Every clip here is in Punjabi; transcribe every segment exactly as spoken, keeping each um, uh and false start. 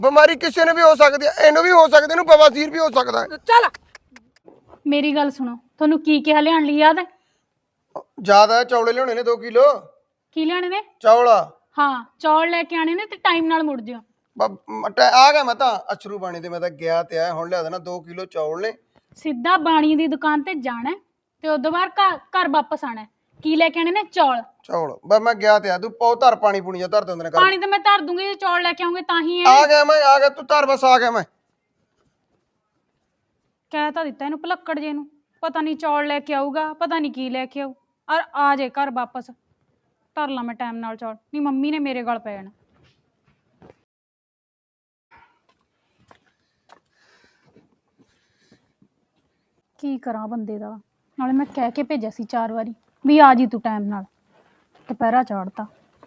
ਬਿਮਾਰੀ ਕਿਸੇ ਨੂੰ ਵੀ ਹੋ ਸਕਦੀ ਹੈ, ਇਹਨੂੰ ਵੀ ਹੋ ਸਕਦੀ, ਇਹਨੂੰ ਬਵਾਸੀਰ ਵੀ ਹੋ ਸਕਦਾ ਹੈ। ਚੱਲ ਮੇਰੀ ਗੱਲ ਸੁਣੋ, ਤੁਹਾਨੂੰ ਕੀ ਕਿਹਾ ਲਿਆਉਣ ਲਈ ਯਾਦ ਹੈ? ਜ਼ਿਆਦਾ ਚੌਲੇ ਲਿਆਉਣੇ ਨੇ ਦੋ ਕਿਲੋ ਕੀ ਲਿਆਣੇ ਨੇ? ਚੌਲ। ਹਾਂ, ਚੌਲ ਲੈ ਕੇ ਆਣੇ ਨੇ ਤੇ ਟਾਈਮ ਨਾਲ ਮੁੜ ਜਿਓ। ਆ ਗਿਆ ਮੈਂ ਤਾਂ ਅਛਰੂ ਬਾਣੀ ਤੇ ਮੈਂ ਤਾਂ ਗਿਆ ਤੇ ਆਇਆ, ਹੁਣ ਲਿਆ ਦੇਣਾ ਦੋ ਕਿਲੋ ਚੌਲ ਨੇ। ਸਿੱਧਾ ਬਾਣੀ ਦੀ ਦੁਕਾਨ ਤੇ ਜਾਣਾ ਤੇ ਉਦੋਂ ਬਾਅਦ ਘਰ ਘਰ ਵਾਪਸ ਆਣਾ। ਕੀ ਲੈ ਕੇ ਆਣੇ ਨੇ? ਚੌਲ। ਚੌਲ ਬਸ ਮੈਂ ਗਿਆ ਤੇ ਆ, ਤੂੰ ਪੌ ਧਰ ਪਾਣੀ ਪੂਣੀ ਜਾਂ ਧਰ ਦਿੰਦੇ ਨੇ ਕਰ। ਪਾਣੀ ਤਾਂ ਮੈਂ ਧਰ ਦੂੰਗੀ, ਜੇ ਚੌਲ ਲੈ ਕੇ ਆਉਂਗੇ ਤਾਂ ਹੀ ਹੈ। ਆ ਗਿਆ ਮੈਂ, ਆ ਗਿਆ ਤੂੰ ਧਰ, ਬਸ ਆ ਗਿਆ ਮੈਂ। ਕਹਿ ਤਾਂ ਦਿੱਤਾ ਇਹਨੂੰ ਭਲੱਕੜ ਜੇ ਨੂੰ, ਪਤਾ ਨਹੀਂ ਚੌਲ ਲੈ ਕੇ ਆਊਗਾ, ਪਤਾ ਨਹੀਂ ਕੀ ਲੈ ਕੇ ਆਊ, ਔਰ ਆ ਜੇ ਘਰ ਵਾਪਸ। ਧਰ ਲਾ ਮੈਂ ਟਾਈਮ ਨਾਲ ਚੌਲ, ਨਹੀਂ ਮੰਮੀ ਨੇ ਮੇਰੇ ਗਲ ਪੈ ਜਾਣਾ। ਕੀ ਕਰਾਂ ਬੰਦੇ ਦਾ, ਨਾਲੇ ਮੈਂ ਕਹਿ ਕੇ ਭੇਜਿਆ ਸੀ ਚਾਰ ਵਾਰੀ ਵੀ ਆ ਜੀ ਤੂੰ ਟਾਈਮ ਨਾਲ, ਦੁਪਹਿਰਾ ਚਾੜਤਾ।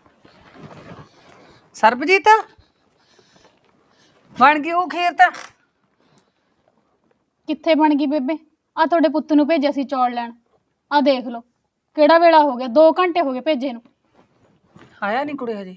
ਸਰਬਜੀਤ ਬਣ ਗਈ ਉਹ ਖੀਰ ਤਾਂ? ਕਿੱਥੇ ਬਣ ਗਈ ਬੇਬੇ? ਆ ਤੁਹਾਡੇ ਪੁੱਤ ਨੂੰ ਭੇਜਿਆ ਸੀ ਚੌਲ ਲੈਣ, ਆ ਦੇਖ ਲਓ ਕਿਹੜਾ ਵੇਲਾ ਹੋ ਗਿਆ, ਦੋ ਘੰਟੇ ਹੋ ਗਏ ਭੇਜੇ ਨੂੰ। ਆਇਆ ਨਹੀਂ ਕੁੜੇ ਹਜੇ?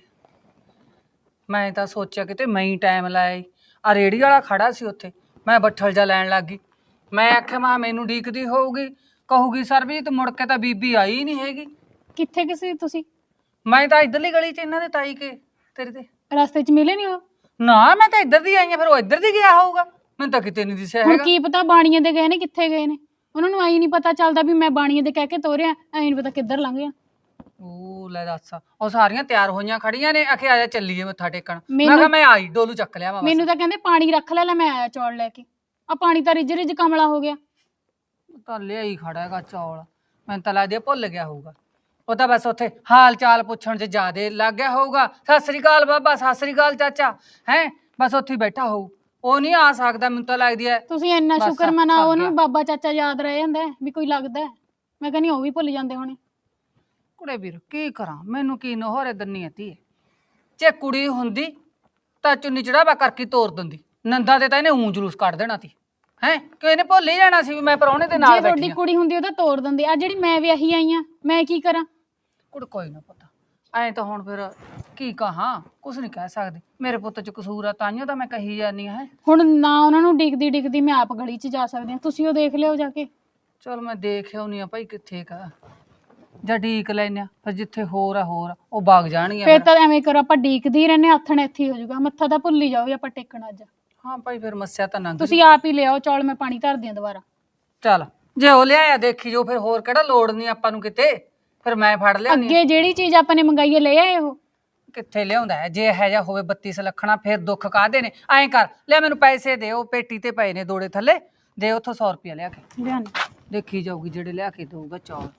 ਮੈਂ ਤਾਂ ਸੋਚਿਆ ਕਿਤੇ ਮੈਂ ਹੀ ਟਾਈਮ ਲਾਇਆ। ਆ ਰੇੜੀ ਵਾਲਾ ਖੜਾ ਸੀ ਉੱਥੇ, ਮੈਂ ਬੱਠਲ ਜਾ ਲੈਣ ਲੱਗ ਗਈ। ਮੈਂ ਆਖਿਆ ਮਾ ਮੈਨੂੰ ਡੀਕਦੀ ਹੋਊਗੀ, ਕਹੂਗੀ ਸਰਬਜੀਤ ਮੁੜ ਕੇ ਤਾਂ ਬੀਬੀ ਆਈ ਨਹੀਂ ਹੈਗੀ। ਕਿੱਥੇ ਕਿਸੇ ਤੁਸੀਂ? ਮੈਂ ਤਾਂ ਇੱਧਰਲੀ ਗਲੀ 'ਚ ਇਹਨਾਂ ਦੇ ਤਾਈ ਕੇ ਤੇਰੇ ਤੇ ਰਸਤੇ 'ਚ ਮਿਲੇ ਨਹੀਂ ਉਹ? ਨਾ ਮੈਂ ਤਾਂ ਇੱਧਰ ਦੀ ਆਈ ਆ, ਫਿਰ ਉਹ ਇੱਧਰ ਦੀ ਗਿਆ ਹੋਊਗਾ, ਮੈਨੂੰ ਤਾਂ ਕਿਤੇ ਨਹੀਂ ਦਿਸਿਆ ਹੁਣ ਹੈਗਾ। ਕੀ ਪਤਾ ਬਾਣੀਏ ਦੇ ਗਏ ਨੇ, ਕਿੱਥੇ ਗਏ ਨੇ, ਉਹਨਾਂ ਨੂੰ ਆਈ ਨਹੀਂ ਪਤਾ ਚੱਲਦਾ ਵੀ ਮੈਂ ਬਾਣੀਏ ਦੇ ਕਹਿ ਕੇ ਤੋਰਿਆ, ਐ ਨਹੀਂ ਪਤਾ ਕਿੱਧਰ ਲੰਘ ਗਿਆ। ਉਹ ਲੈ ਦੱਸ, ਉਹ ਸਾਰੀਆਂ ਤਿਆਰ ਹੋਈਆਂ ਖੜੀਆਂ ਨੇ, ਆਖੇ ਆਜਾ ਚੱਲੀਏ ਮੱਥਾ ਟੇਕਣ। ਮੈਂ ਮੈਨੂੰ- ਕਿਹਾ ਮੈਂ ਆਈ, ਡੋਲੂ ਚੱਕ ਲਿਆ ਵਾ। ਮੈਨੂੰ ਤਾਂ ਕਹਿੰਦੇ ਪਾਣੀ ਰੱਖ ਲੈ, ਲੈ ਮੈਂ ਆਇਆ ਚੌਲ ਲੈ ਕੇ। ਆ ਪਾਣੀ ਤਾਂ ਰਿੱਝ ਰਿੱਝ ਕਮਲਾ ਹੋ ਗਿਆ। ਤਾਂ ਲਿਆ ਹੀ ਖੜਾ ਹੈਗਾ ਚੌਲ, ਮੈਨੂੰ ਤਾਂ ਲੱਗਦਾ ਭੁੱਲ ਗਿਆ ਹੋਊਗਾ। ਉਹ ਤਾਂ ਬਸ ਉੱਥੇ ਹਾਲ ਚਾਲ ਪੁੱਛਣ 'ਚ ਜ਼ਿਆਦੇ ਲੱਗ ਗਿਆ ਹੋਊਗਾ। ਸਤਿ ਸ੍ਰੀ ਅਕਾਲ ਬਾਬਾ, ਸਤਿ ਸ੍ਰੀ ਅਕਾਲ ਚਾਚਾ, ਹੈ ਬਸ ਉੱਥੇ ਹੀ ਬੈਠਾ ਹੋਊ, ਉਹ ਨਹੀਂ ਆ ਸਕਦਾ। ਮੈਨੂੰ ਤਾਂ ਲੱਗਦੀ ਹੈ ਤੁਸੀਂ ਇੰਨਾ ਬਸ ਸ਼ੁਕਰ ਮਨਾਓ ਸਰ ਉਹਨੂੰ, ਗਿਆ। ਬਾਬਾ ਚਾਚਾ ਯਾਦ ਰਹਿ ਜਾਂਦਾ ਹੈ ਵੀ ਕੋਈ ਲੱਗਦਾ ਹੈ। ਮੈਂ ਕਹਿੰਦੀ ਉਹ ਵੀ ਭੁੱਲ ਜਾਂਦੇ ਹੋਣੇ। ਕੁੜੇ ਵੀਰ ਕੀ ਕਰਾਂ, ਮੈਨੂੰ ਕੀ ਨਹੋਰੇ ਦੰਨੀ ਆਤੀ ਹੈ। ਜੇ ਕੁੜੀ ਹੁੰਦੀ ਤਾਂ ਚੁੰਨੀ ਚੜਾਵਾ ਕਰਕੇ ਤੋਰ ਦਿੰਦੀ, ਨੰਦਾ ਤੇ ਤਾਂ ਇਹਨੇ ਊਂ ਜਲੂਸ ਕੱਢ ਦੇਣਾ ਸੀ। ਹੈ ਕਿ ਇਹਨੇ ਭੁੱਲ ਹੀ ਜਾਣਾ ਸੀ ਵੀ ਮੈਂ ਪ੍ਰਾਹੁਣੇ ਦੇ ਨਾਲ ਜੇ ਬੈਠੀ ਤੁਹਾਡੀ ਆ। ਕੁੜੀ ਹੁੰਦੀ ਉਹ ਤਾਂ ਤੋੜ ਦਿੰਦੇ। ਆ ਜਿਹੜੀ ਮੈਂ ਵਿਆਹੀ ਆਈ ਆ, ਮੈਂ ਕੀ ਕਰਾਂ? ਕੁੜ ਕੋਈ ਨਾ ਪਤਾ, ਐਂ ਤਾਂ ਹੁਣ ਫਿਰ ਕੀ ਕਹਾਂ, ਕੁਛ ਨਹੀਂ ਕਹਿ ਸਕਦੀ। ਮੇਰੇ ਪੁੱਤ 'ਚ ਕਸੂਰ ਆ, ਤਾਈਓ ਤਾਂ ਮੈਂ ਕਹੀ ਜਾਂਦੀ ਹੈ। ਹੁਣ ਨਾ ਉਹਨਾਂ ਨੂੰ ਡਿੱਗਦੀ ਡਿੱਗਦੀ ਮੈਂ ਆਪ ਗਲੀ 'ਚ ਜਾ ਸਕਦੀ ਹਾਂ, ਤੁਸੀਂ ਉਹ ਦੇਖ ਲਿਓ ਜਾ ਕੇ। ਚਲ ਮੈਂ ਦੇਖ ਆਉਣੀ ਆ ਭਾਈ ਕਿੱਥੇ ਕਾ, ਜਾਂ ਡੀਕ ਲੈਨੇ ਆ, ਫਿਰ ਜਿੱਥੇ ਹੋਰ ਆ ਹੋਰ ਆ, ਉਹ ਵਗ ਜਾਣਗੀਆਂ ਫਿਰ ਫਿਰ। ਤਾਂ ਐਵੇਂ ਕਰੋ, ਆਪਾਂ ਡੀਕਦੇ ਹੀ ਰਹਿੰਦੇ, ਹੱਥ ਨੇ ਇੱਥੇ ਹੀ ਹੋ ਜਾਊਗਾ, ਮੱਥਾ ਤਾਂ ਭੁੱਲ ਹੀ ਜਾਓ ਵੀ ਆਪਾਂ ਟੇਕਣਾ ਅੱਜ। ਹਾਂ ਭਾਈ ਫਿਰ ਮੱਸਿਆ ਤਾਂ ਨੰਗ ਤੁਸੀਂ ਆਪ ਹੀ ਲਿਆਓ ਚੌਲ, ਮੈਂ ਪਾਣੀ ਧਰਦੀ ਹਾਂ ਦੁਬਾਰਾ। ਚੱਲ ਜੇ ਉਹ ਲਿਆਇਆ ਦੇਖੀ ਜੋ, ਫਿਰ ਹੋਰ ਕਿਹੜਾ ਲੋੜ ਨਹੀਂ ਆਪਾਂ ਨੂੰ ਕਿਤੇ, ਫਿਰ ਮੈਂ ਫੜ ਲਿਆਉਣੀ। ਅੱਗੇ ਜਿਹੜੀ ਚੀਜ਼ ਆਪਾਂ ਨੇ ਮੰਗਾਈ ਹੈ ਲੈ ਆਏ ਉਹ? ਕਿੱਥੇ ਲਿਆਉਂਦਾ ਹੈ, ਜੇ ਇਹ ਜਿਹਾ ਹੋਵੇ ਬੱਤੀ ਸਲੱਖਣਾ, ਫਿਰ ਦੁੱਖ ਕਾਹਦੇ ਨੇ। ਐਂ ਕਰ ਲੈ ਮੈਨੂੰ ਪੈਸੇ ਦੇ, ਉਹ ਪੇਟੀ ਤੇ ਪਏ ਨੇ ਦੋੜੇ ਥੱਲੇ, ਦੇ ਉੱਥੋਂ ਸੌ ਰੁਪਇਆ ਲਿਆ ਕੇ। ਲਿਆਣੀ ਦੇਖੀ ਜਾਊਗੀ ਜਿਹੜੇ ਲਿਆ ਕੇ ਦਊਗਾ ਚੌਲ।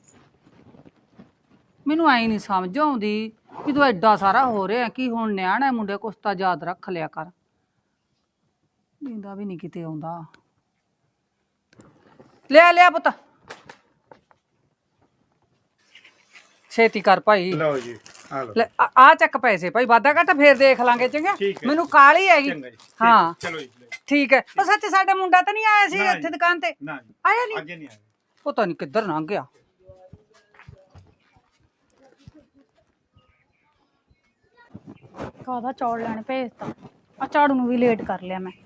ਮੈਨੂੰ ਐਂ ਨਹੀਂ ਸਮਝ ਆਉਂਦੀ ਵੀ ਤੂੰ ਐਡਾ ਸਾਰਾ ਹੋ ਰਿਹਾ ਕੀ, ਹੁਣ ਨਿਆਣਾ ਮੁੰਡੇ ਕੁਛ ਤਾਂ ਯਾਦ ਰੱਖ ਲਿਆ ਕਰ। ਨੀਂਦਾ ਵੀ ਨਹੀਂ ਕਿਤੇ ਆਉਂਦਾ। ਲਿਆ ਲਿਆ ਪੁੱਤ, ਛੇਤੀ ਕਰ ਭਾਈ। ਲਓ ਜੀ, ਆ ਲਓ। ਲੈ ਆ ਆ ਚੱਕ ਪੈਸੇ ਭਾਈ, ਵਾਧਾ ਘਾਟਾ ਫੇਰ ਦੇਖ ਲਾਂਗੇ ਚੰਗਾ। ਠੀਕ ਹੈ। ਮੈਨੂੰ ਕਾਹਲੀ ਹੈਗੀ। ਚੰਗਾ ਜੀ, ਠੀਕ। ਹਾਂ ਚਲੋ ਜੀ, ਲਓ। ਠੀਕ ਹੈ। ਉਹ ਸੱਚ ਸਾਡਾ ਮੁੰਡਾ ਤਾਂ ਨਹੀਂ ਆਇਆ ਸੀ ਨਾ ਇੱਥੇ ਜੀ। ਦੁਕਾਨ ਤੇ? ਨਾ ਜੀ, ਆਇਆ ਨਹੀਂ? ਅੱਗੇ ਨਹੀਂ ਆਇਆ। ਪਤਾ ਨਹੀਂ ਕਿੱਧਰ ਲੰਘ ਗਿਆ। ਕਾਹਦਾ ਚੌਲ ਲੈਣ ਭੇਜਤਾ, ਆ ਝਾੜੂ ਨੂੰ ਵੀ ਲੇਟ ਕਰ ਲਿਆ ਮੈਂ।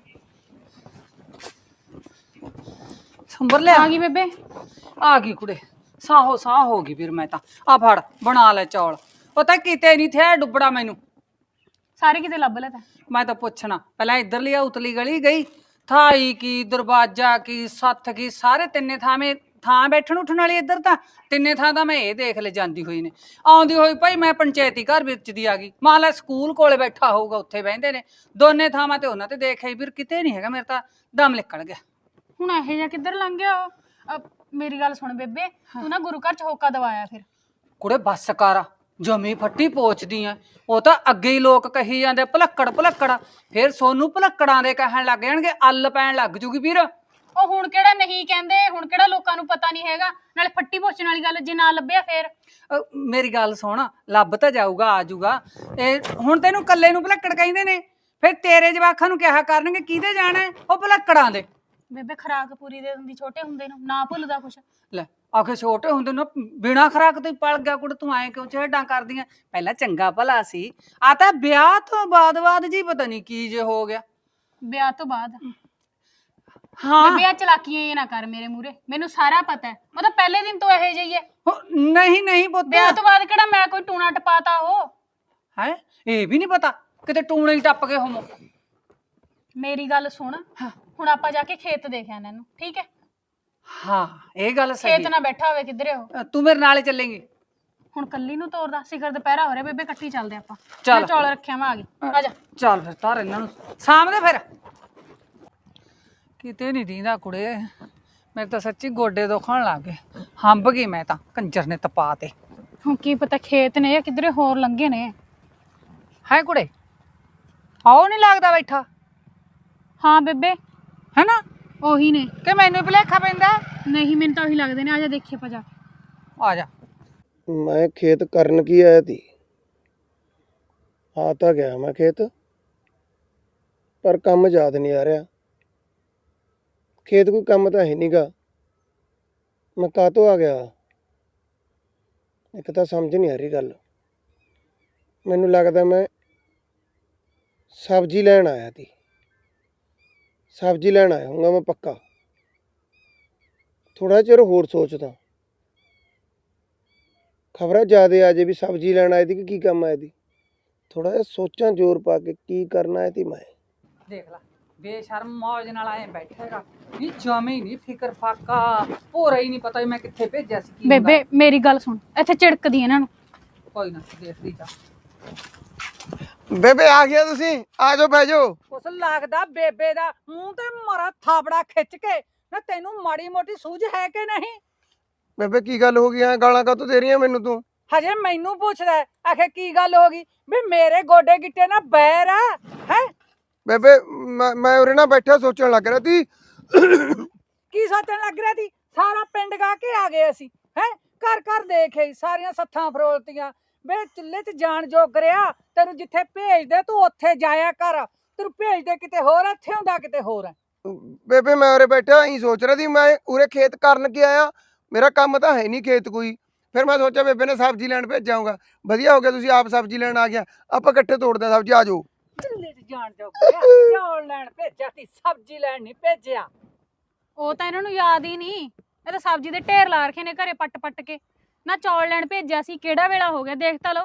ਸੰਭਰ ਲਿਆ ਆ ਗਈ ਬੇਬੇ? ਆ ਗਈ ਕੁੜੇ, ਸਾਹੋ ਸਾਹ ਹੋ ਗਈ ਵੀਰ। ਮੈਂ ਤਾਂ ਆ ਫੜ ਬਣਾ ਲੈ ਚੌਲ। ਪਤਾ ਕਿਤੇ ਨਹੀਂ ਥੇ ਡੁੱਬੜਾ ਮੈਨੂੰ। ਸਾਰੇ ਕਿਤੇ ਲੱਭ ਲੈ ਤਾ। ਮੈਂ ਤਾਂ ਪੁੱਛਣਾ ਪਹਿਲਾਂ ਇੱਧਰਲੀ ਆ ਉਤਲੀ ਗਲੀ ਗਈ, ਥਾਈ ਕੀ ਦਰਵਾਜ਼ਾ ਕੀ ਸੱਥ ਕੀ, ਸਾਰੇ ਤਿੰਨੇ ਥਾਵੇਂ ਥਾਂ ਬੈਠਣ ਉੱਠਣ ਵਾਲੀ ਇੱਧਰ ਤਾਂ ਤਿੰਨੇ ਥਾਂ ਤਾਂ ਮੈਂ ਇਹ ਦੇਖ ਲੈ ਜਾਂਦੀ ਹੋਈ ਨੇ। ਆਉਂਦੀ ਹੋਈ ਭਾਈ ਮੈਂ ਪੰਚਾਇਤੀ ਘਰ ਵਿੱਚ ਦੀ ਆ ਗਈ, ਮਾਂ ਲੈ ਸਕੂਲ ਕੋਲੇ ਬੈਠਾ ਹੋਊਗਾ ਉੱਥੇ ਬਹਿੰਦੇ ਨੇ ਦੋਨੇ ਥਾਵਾਂ ਤੇ, ਉਹਨਾਂ ਤੇ ਦੇਖ ਆਈ ਵੀਰ, ਕਿਤੇ ਨਹੀਂ ਹੈਗਾ। ਮੇਰੇ ਤਾਂ ਦਮ ਨਿਕਲ ਗਿਆ। ਹੁਣ ਇਹੋ ਜਿਹਾ ਕਿੱਧਰ ਲੰਘ ਗਿਆ ਉਹ? ਅ, ਮੇਰੀ ਗੱਲ ਸੁਣ ਬੇਬੇ, ਤੂੰ ਨਾ ਗੁਰੂ ਘਰ ਚ ਹੋਕਾ ਦਵਾਇਆ ਫਿਰ। ਕੁੜੇ ਬੱਸ ਕਰ, ਜਮੀ ਫੱਟੀ ਪੋਚਦੀ ਆ। ਉਹ ਤਾਂ ਅੱਗੇ ਹੀ ਲੋਕ ਕਹੀ ਜਾਂਦੇ ਭਲੱਕੜ ਭਲੱਕੜ, ਫਿਰ ਸੋਨੂੰ ਭਲੱਕੜਾਂ ਦੇ ਕਹਿਣ ਲੱਗ ਜਾਣਗੇ, ਅੱਲ ਪੈਣ ਲੱਗ ਜੂਗੀ ਵੀਰ। ਉਹ ਹੁਣ ਕਿਹੜਾ ਨਹੀਂ ਕਹਿੰਦੇ, ਹੁਣ ਕਿਹੜਾ ਲੋਕਾਂ ਨੂੰ ਪਤਾ ਨਹੀਂ ਹੈਗਾ। ਨਾਲੇ ਫੱਟੀ ਪੋਚਣ ਵਾਲੀ ਗੱਲ ਜੇ ਨਾ ਲੱਭਿਆ ਫੇਰ? ਅਹ ਮੇਰੀ ਗੱਲ ਸੁਣ, ਲੱਭ ਤਾਂ ਜਾਊਗਾ, ਆ ਜਾਊਗਾ। ਇਹ ਹੁਣ ਤੈਨੂੰ ਕੱਲੇ ਨੂੰ ਭਲੱਕੜ ਕਹਿੰਦੇ ਨੇ, ਫਿਰ ਤੇਰੇ ਜਵਾਕਾਂ ਨੂੰ ਕਿਹਾ ਕਰਨਗੇ ਕਿਹਦੇ ਜਾਣਾ, ਉਹ ਭਲੱਕੜਾਂ ਦੇ। ਬੇਬੇ ਖਰਾਕ ਪੂਰੀ ਦੇ ਦਿੰਦੀ ਛੋਟੇ ਹੁੰਦੇ ਨੂੰ, ਨਾ ਭੁੱਲਦਾ ਕੁਛ। ਲੈ ਆਖੇ ਛੋਟੇ ਹੁੰਦੇ ਨੂੰ ਬਿਨਾ ਖਰਾਕ ਤੋਂ ਹੀ ਪਲ ਗਿਆ ਕੁੜ, ਤੂੰ ਐਂ ਕਿਉਂ ਛੇੜਾਂ ਕਰਦੀਆਂ? ਪਹਿਲਾਂ ਚੰਗਾ ਭਲਾ ਸੀ, ਆ ਤਾਂ ਵਿਆਹ ਤੋਂ ਬਾਅਦ ਬਾਅਦ ਜੀ ਪਤਾ ਨਹੀਂ ਕੀ ਜੇ ਹੋ ਗਿਆ। ਵਿਆਹ ਤੋਂ ਬਾਅਦ ਹਾਂ ਬੇਬੇ ਆ ਚਲਾਕੀਆਂ ਇਹ ਨਾ ਕਰ ਮੇਰੇ ਮੂਰੇ, ਮੈਨੂੰ ਸਾਰਾ ਪਤਾ ਹੈ। ਉਹ ਤਾਂ ਪਹਿਲੇ ਦਿਨ ਤੋਂ ਇਹੋ ਜਿਹੀ ਹੈ। ਹੋ- ਨਹੀਂ ਨਹੀਂ ਪੁੱਤ, ਵਿਆਹ ਤੋਂ ਬਾਅਦ ਕਿਹੜਾ ਮੈਂ ਕੋਈ ਟੂਣਾ ਟਪਾਤਾ ਉਹ। ਹੈ ਇਹ ਵੀ ਨਹੀਂ ਪਤਾ ਕਿਤੇ ਟੂਣੇ ਹੀ ਟੱਪ ਗਏ ਹੋਮੋ। ਮੇਰੀ ਗੱਲ ਸੁਣ, ਹੁਣ ਆਪਾਂ ਜਾ ਕੇ ਖੇਤ ਦੇਖ ਆਣਾ ਇਹਨੂੰ, ਠੀਕ ਹੈ? ਹਾਂ ਇਹ ਗੱਲ ਸਹੀ ਖੇਤ ਨਾ ਬੈਠਾ ਹੋਵੇ ਕਿਧਰੇ ਉਹ। ਹੈ। ਤੂੰ ਮੇਰੇ ਨਾਲ ਹੀ ਚੱਲੇਂਗੀ? ਹੁਣ ਕੱਲੀ ਨੂੰ ਤੋਰਦਾ, ਸਿਖਰ ਦੁਪਹਿਰਾ ਹੋ ਰਿਹਾ ਬੇਬੇ, ਇਕੱਠੀ ਚੱਲਦੇ ਆਪਾਂ। ਚੱਲ। ਮੈਂ ਚੌਲ ਰੱਖਿਆ ਮੈਂ ਆ ਗਈ, ਆ ਜਾ। ਚੱਲ ਫਿਰ ਧਰ ਇਹਨਾਂ ਨੂੰ ਸਾਹਮਣੇ। ਫਿਰ ਕਿਤੇ ਨਹੀਂ ਦੀਂਦਾ ਕੁੜੇ, ਮੇਰੇ ਤਾਂ ਸੱਚੀ ਗੋਡੇ ਦੁਖਣ ਲੱਗ ਗਏ, ਹੰਬ ਗਈ ਮੈਂ ਤਾਂ, ਕੰਜਰ ਨੇ ਤਪਾ ਤੇ। ਹੁਣ ਕੀ ਪਤਾ ਖੇਤ ਨੇ ਜਾਂ ਕਿਧਰੇ ਹੋਰ ਲੰਘੇ ਨੇ। ਹੈ ਕੁੜੇ, ਆਓ ਨਹੀਂ ਲੱਗਦਾ ਬੈਠਾ? ਹਾਂ ਬੇਬੇ ਹੈ ਨਾ, ਉਹੀ ਨੇ। ਕਿ ਮੈਨੂੰ ਭੁਲੇਖਾ ਪੈਂਦਾ? ਨਹੀਂ ਮੈਨੂੰ ਤਾਂ ਉਹੀ ਲੱਗਦੇ ਨੇ, ਆ ਜਾ ਦੇਖੀਏ ਆਪਾਂ ਜਾ ਕੇ। ਆ ਜਾ। ਮੈਂ ਖੇਤ ਕਰਨ ਕੀ ਆਇਆ ਤੀ? ਆ ਤਾਂ ਗਿਆ ਮੈਂ ਖੇਤ, ਪਰ ਕੰਮ ਯਾਦ ਨਹੀਂ ਆ ਰਿਹਾ। ਖੇਤ ਕੋਈ ਕੰਮ ਤਾਂ ਹੈ ਨਹੀਂਗਾ, ਮੈਂ ਕਾਹਤੋਂ ਆ ਗਿਆ? ਇੱਕ ਤਾਂ ਸਮਝ ਨਹੀਂ ਆ ਰਹੀ ਗੱਲ। ਮੈਨੂੰ ਲੱਗਦਾ ਮੈਂ ਸਬਜ਼ੀ ਲੈਣ ਆਇਆ ਤੀ, ਸਬਜ਼ੀ ਲੈਣ ਆਇਆ ਹੋਊਗਾ ਮੈਂ ਪੱਕਾ। ਥੋੜਾ ਚਿਰ ਹੋਰ ਸੋਚਦਾ, ਖਬਰਾਂ ਜ਼ਿਆਦੇ ਆ ਜੇ ਵੀ ਸਬਜ਼ੀ ਲੈਣ ਆਏ ਤੀ ਕਿ ਕੀ ਕੰਮ ਆਏ ਤੀ। ਥੋੜਾ ਜਿਹਾ ਸੋਚਾਂ ਜ਼ੋਰ ਪਾ ਕੇ ਕੀ ਕਰਨਾ ਹੈ ਤੀ ਮੈਂ। ਦੇਖ ਲੈ ਬੇਸ਼ਰਮ ਮੌਜ ਨਾਲ ਆਏ ਬੈਠੇਗਾ, ਨਹੀਂ ਜਮੇ ਹੀ ਨਹੀਂ ਫਿਕਰ ਫਾਕਾ, ਭੋਰਾ ਹੀ ਨਹੀਂ ਪਤਾ ਵੀ ਮੈਂ ਕਿੱਥੇ ਭੇਜਿਆ ਸੀ ਕੀ ਹੁੰਦਾ। ਬੇਬੇ ਮੇਰੀ ਗੱਲ ਸੁਣ, ਇੱਥੇ ਝਿੜਕਦੀ ਇਹਨਾਂ ਨੂੰ। ਕੋਈ ਨਾ ਦੇਖਦੀ ਜਾ। ਬੇਬੇ ਆ ਗਿਆ ਤੁਸੀਂ, ਆ ਜਾਓ ਬਹਿ ਜਾਓ। ਉਸ ਲੱਗਦਾ ਬੇਬੇ ਦਾ ਮੂੰਹ ਤੇ ਮਾਰਾ ਥਾਪੜਾ ਖਿੱਚ ਕੇ ਨਾ, ਤੈਨੂੰ ਮਾੜੀ ਮੋਟੀ ਸੂਝ ਹੈ ਕਿ ਨਹੀਂ? ਬੇਬੇ ਕੀ ਗੱਲ ਹੋ ਗਈ? ਐ ਗਾਲਾਂ ਕਾਹਤੋਂ ਦੇ ਰਹੀ ਆ ਮੈਨੂੰ ਤੂੰ? ਹਜੇ ਮੈਨੂੰ ਪੁੱਛਦਾ ਹੈ, ਆਖੇ ਕੀ ਗੱਲ ਹੋ ਗਈ? ਵੀ ਮੇਰੇ ਗੋਡੇ ਗਿੱਟੇ ਨਾ ਬੈਰ ਆ ਹੈ। ਬੇਬੇ ਮੈਂ ਮੈਂ ਉਰੇ ਨਾ ਬੈਠਾ ਸੋਚਣ ਲੱਗ ਰਿਹਾ ਤੀ। ਕੀ ਸੋਚਣ ਲੱਗ ਰਿਹਾ ਸੀ? ਸਾਰਾ ਪਿੰਡ ਗਾ ਕੇ ਆ ਗਏ ਅਸੀਂ, ਹੈ ਘਰ ਘਰ ਦੇਖੇ, ਸਾਰੀਆਂ ਸੱਥਾਂ ਫਰੋਲਤੀਆਂ। ਵੇ ਚੁੱਲ੍ਹੇ 'ਚ ਜਾਣ ਜੋਗ ਰਿਹਾ, ਤੈਨੂੰ ਜਿੱਥੇ ਭੇਜਦੇ ਤੂੰ ਉੱਥੇ ਜਾਇਆ ਕਰ। ਤੈਨੂੰ ਭੇਜਦੇ ਕਿਤੇ ਹੋਰ, ਇੱਥੇ ਹੁੰਦਾ ਕਿਤੇ ਹੋਰ ਹੈ। ਬੇਬੇ ਮੈਂ ਉਰੇ ਬੈਠਾ ਹੀ ਸੋਚ ਰਿਹਾ ਸੀ, ਮੈਂ ਉਰੇ ਖੇਤ ਕਰਨ ਕੀ ਆਇਆ? ਮੇਰਾ ਕੰਮ ਤਾਂ ਹੈ ਨਹੀਂ ਖੇਤ ਕੋਈ। ਫਿਰ ਮੈਂ ਸੋਚਿਆ ਬੇਬੇ ਨੇ ਸਬਜ਼ੀ ਲੈਣ ਭੇਜਾਂਗਾ, ਵਧੀਆ ਹੋ ਗਿਆ ਤੁਸੀਂ ਆਪ ਸਬਜ਼ੀ ਲੈਣ ਆ ਗਿਆ। ਆਪਾਂ ਇਕੱਠੇ ਤੋੜਦੇ ਹਾਂ ਸਬਜ਼ੀ, ਆ ਜਾਓ। ਚੁੱਲ੍ਹੇ 'ਚ ਜਾਣ ਜੋਗ ਰਿਹਾ, ਚੌਲ ਲੈਣ ਭੇਜਿਆ ਸੀ, ਸਬਜ਼ੀ ਲੈਣ ਨਹੀਂ ਭੇਜਿਆ। ਉਹ ਤਾਂ ਇਹਨਾਂ ਨੂੰ ਯਾਦ ਹੀ ਨਹੀਂ, ਇਹ ਤਾਂ ਸਬਜ਼ੀ ਦੇ ਢੇਰ ਲਾ ਰੱਖੇ ਨੇ ਘਰੇ ਪੱਟ ਪੱਟ ਕੇ। ਨਾ ਚੌਲ ਲੈਣ ਭੇਜਿਆ ਸੀ, ਕਿਹੜਾ ਵੇਲਾ ਹੋ ਗਿਆ ਦੇਖ ਤਾਂ ਲਓ।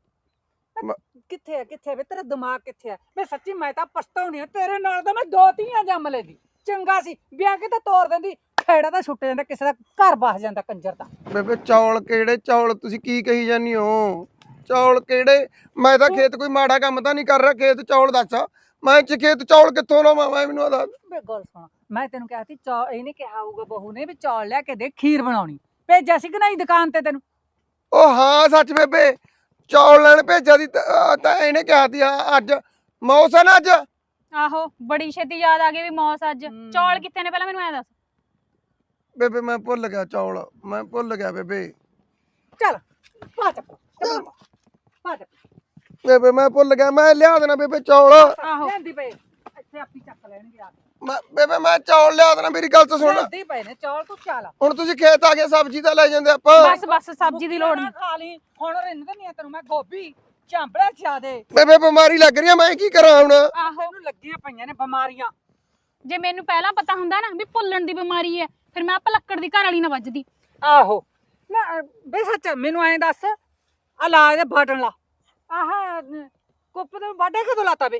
ਕਿੱਥੇ ਹੈ ਕਿੱਥੇ ਵੇ ਤੇਰਾ ਦਿਮਾਗ ਕਿੱਥੇ ਹੈ? ਮੈਂ ਸੱਚੀ ਮੈਂ ਤਾਂ ਪਛਤਾਉਣੀ ਆ, ਤੇਰੇ ਨਾਲ ਤਾਂ ਮੈਂ ਦੋ ਧੀਆਂ ਜੰਮ ਲੈਂਦੀ। ਚੰਗਾ ਸੀ ਵਿਆਹ ਕੇ ਤਾਂ ਤੋਰ ਦਿੰਦੀ, ਖੇੜਾ ਤਾਂ ਛੁੱਟ ਜਾਂਦਾ, ਕਿਸੇ ਦਾ ਘਰ ਬਸ ਜਾਂਦਾ ਕੰਜਰ ਦਾ। ਬੇਬੇ ਚੌਲ ਕਿਹੜੇ ਚੌਲ? ਤੁਸੀਂ ਕੀ ਕਹੀ ਜਾਂਦੀ ਹੋ? ਚੌਲ ਕਿਹੜੇ? ਮੈਂ ਤਾਂ ਖੇਤ ਕੋਈ ਮਾੜਾ ਕੰਮ ਤਾਂ ਨਹੀਂ ਕਰ ਰਿਹਾ। ਖੇਤ ਚੌਲ ਦੱਸ, ਮੈਂ ਚ ਖੇਤ ਚੌਲ ਕਿੱਥੋਂ ਲਾਵਾਂ? ਮੈਂ ਮੈਨੂੰ ਦੱਸ। ਬੇ ਗੱਲ ਸੁਣ, ਮੈਂ ਤੈਨੂੰ ਕਿਹਾ ਸੀ ਚੌਲ, ਇਹਨੇ ਕਿਹਾ ਹੋਊਗਾ ਬਹੂ ਨੇ ਵੀ ਚੌਲ ਲਿਆ ਕੇ ਦੇ, ਖੀਰ ਬਣਾਉਣੀ। ਭੇਜਿਆ ਸੀ ਕਿ ਨਹੀਂ ਦੁਕਾਨ ਤੇ ਤੈਨੂੰ? ਉਹ ਹਾਂ ਸੱਚ ਬੇਬੇ, ਚੌਲ ਲੈਣ ਭੇਜਿਆ ਦੀ ਤਾਂ ਇਹਨੇ ਕਿਹਾ ਸੀ। ਹਾਂ ਅੱਜ ਮੌਸਮ ਅੱਜ। ਆਹੋ ਬੜੀ ਛੇਤੀ ਯਾਦ ਆ ਗਈ ਵੀ ਮੌਸ ਅੱਜ। ਚੌਲ ਕਿੱਥੇ ਨੇ ਪਹਿਲਾਂ ਮੈਨੂੰ ਐ ਦੱਸ। ਬੇਬੇ ਮੈਂ ਭੁੱਲ ਗਿਆ ਚੌਲ, ਮੈਂ ਭੁੱਲ ਗਿਆ ਬੇਬੇ। ਚੱਲ ਪਾ ਚੱਪ ਪਾ ਚੱਪ। ਬੇਬੇ ਮੈਂ ਭੁੱਲ ਗਿਆ, ਮੈਂ ਲਿਆ ਦੇਣਾ ਬੇਬੇ ਚੌਲ। ਆਹੋ ਲੈਂਦੀ ਪਏ ਇੱਥੇ ਆਪੀ ਚੱਕ ਲੈਣਗੇ ਆ। ਮੈਂ ਬੇਬੇ ਮੈਂ ਚੌਲ ਲਿਆ ਦੇਣਾ, ਮੇਰੀ ਗੱਲ ਤਾਂ ਸੁਣ। ਲੈਂਦੀ ਪਏ ਨੇ ਚੌਲ, ਤੂੰ ਚੱਲ। ਹੁਣ ਤੁਸੀਂ ਖੇਤ ਆ ਗਏ, ਸਬਜ਼ੀ ਤਾਂ ਲੈ ਜਾਂਦੇ ਆਪਾਂ। ਬਸ ਬਸ ਸਬਜ਼ੀ ਦੀ ਲੋੜ ਨਹੀਂ। ਖਾ ਲਈ ਹੁਣ, ਰਿੰਨ ਦਿੰਦੀ ਆ ਤੈਨੂੰ ਮੈਂ ਗੋਭੀ ਚਾਂਬੜਾ ਚਾਦੇ। ਬੇਬੇ ਬਿਮਾਰੀ ਲੱਗ ਰਹੀ ਆ, ਮੈਂ ਕੀ ਕਰਾਂ ਹੁਣ? ਆਹੋ ਤੈਨੂੰ ਲੱਗੀਆਂ ਪਈਆਂ ਨੇ ਬਿਮਾਰੀਆਂ। ਜੇ ਮੈਨੂੰ ਪਹਿਲਾਂ ਪਤਾ ਹੁੰਦਾ ਨਾ ਵੀ ਭੁੱਲਣ ਦੀ ਬਿਮਾਰੀ ਹੈ, ਫਿਰ ਮੈਂ ਪਲੱਕੜ ਦੀ ਘਰ ਵਾਲੀ ਨਾ ਵੱਜਦੀ। ਆਹੋ ਨਾ ਬੇ ਸੱਚ ਮੈਨੂੰ ਐਂ ਦੱਸ, ਆ ਲਾ ਇਹਦੇ ਬਟਨ ਲਾ। ਆਹ ਕੁੱਪ ਦੇ ਵਾਢੇ ਕਦੋਂ ਲਾਤਾ ਬੇ?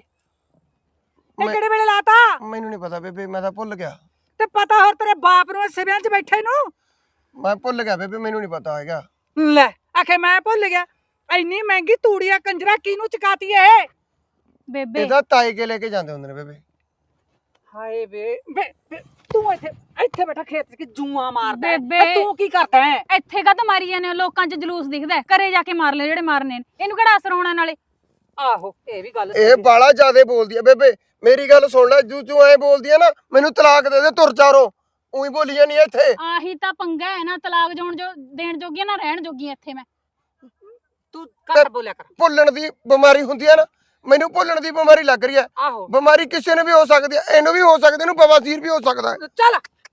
ਇਹ ਮੈਂ- ਕਿਹੜੇ ਵੇਲੇ ਲਾਤਾ? ਮੈਨੂੰ ਨਹੀਂ ਪਤਾ ਬੇਬੇ, ਮੈਂ ਤਾਂ ਭੁੱਲ ਗਿਆ। ਤੇ ਪਤਾ ਹੋਰ ਤੇਰੇ ਬਾਪ ਨੂੰ ਸਿਵਿਆਂ 'ਚ ਬੈਠੇ ਨੂੰ? ਮੈਂ ਭੁੱਲ ਗਿਆ ਬੇਬੇ, ਮੈਨੂੰ ਨਹੀਂ ਪਤਾ ਹੈਗਾ। ਲੈ ਆਖੇ ਮੈਂ ਭੁੱਲ ਗਿਆ। ਇੰਨੀ ਮਹਿੰਗੀ ਤੂੜੀਆਂ ਕੰਜਰਾ ਕਿਹਨੂੰ ਚਕਾਤੀ ਇਹ? ਬੇਬੇ ਇਹਦਾ ਤਾਏ ਕੇ ਲੈ ਕੇ ਜਾਂਦੇ ਹੁੰਦੇ ਨੇ ਬੇਬੇ। ਹਾਏ ਵੇ ਵੇ ਵੇ, ਤੂੰ ਇੱਥੇ ਇੱਥੇ ਬੈਠਾ ਖੇਤ 'ਚ ਕਿ ਜੂਆਂ ਮਾਰਦਾ ਹੈ? ਬੇਬੇ। ਇਹ ਤੂੰ ਕੀ ਕਰਦਾ ਹੈ? ਇੱਥੇ ਕਾ ਮਾਰੀ ਜਾਂਦੇ ਹੋ? ਲੋਕਾਂ 'ਚ ਜਲੂਸ ਦਿਖਦਾ ਹੈ, ਘਰੇ ਜਾ ਕੇ ਮਾਰ ਲੈ ਜਿਹੜੇ ਮਾਰਨੇ ਨੇ। ਇਹਨੂੰ ਕਿਹੜਾ ਅਸਰ ਹੋਣਾ ਨਾਲੇ? ਆਹੋ ਇਹ ਵੀ ਗੱਲ ਇਹ ਬਾਲਾ ਜ਼ਿਆਦੇ ਬੋਲਦੀ ਆ ਬੇਬੇ, ਮੇਰੀ ਗੱਲ ਸੁਣ ਲੈ। ਜੂ ਜੂ ਐ ਬੋਲਦੀ ਆ ਨਾ, ਮੈਨੂੰ ਤਲਾਕ ਦੇ ਦੇ, ਤੁਰ ਚਾਰੋ। ਉਹੀ ਬੋਲੀ ਜਾਨੀ ਇੱਥੇ। ਆਹੀ ਤਾਂ ਪੰਗਾ ਹੈ ਨਾ, ਤਲਾਕ ਜਾਣ ਜੋ ਦੇਣ ਜੋਗੀਆਂ ਨਾ ਰਹਿਣ ਜੋਗੀਆਂ ਇੱਥੇ ਮੈਂ। ਤੂੰ ਘੱਟ ਬੋਲਿਆ ਕਰ। ਭੁੱਲਣ ਦੀ ਬਿਮਾਰੀ ਹੁੰਦੀ ਆ ਨਾ, ਮੈਨੂੰ ਭੁੱਲਣ ਦੀ ਬਿਮਾਰੀ ਲੱਗ ਰਹੀ ਆ। ਆਹੋ ਬਿਮਾਰੀ ਕਿਸੇ ਨੂੰ ਵੀ ਹੋ ਸਕਦੀ ਆ, ਇਹਨੂੰ ਵੀ ਹੋ ਸਕਦੀ, ਇਹਨੂੰ ਬਵਾਸੀਰ ਵੀ ਹੋ ਸਕਦਾ ਹੈ। ਚੱਲ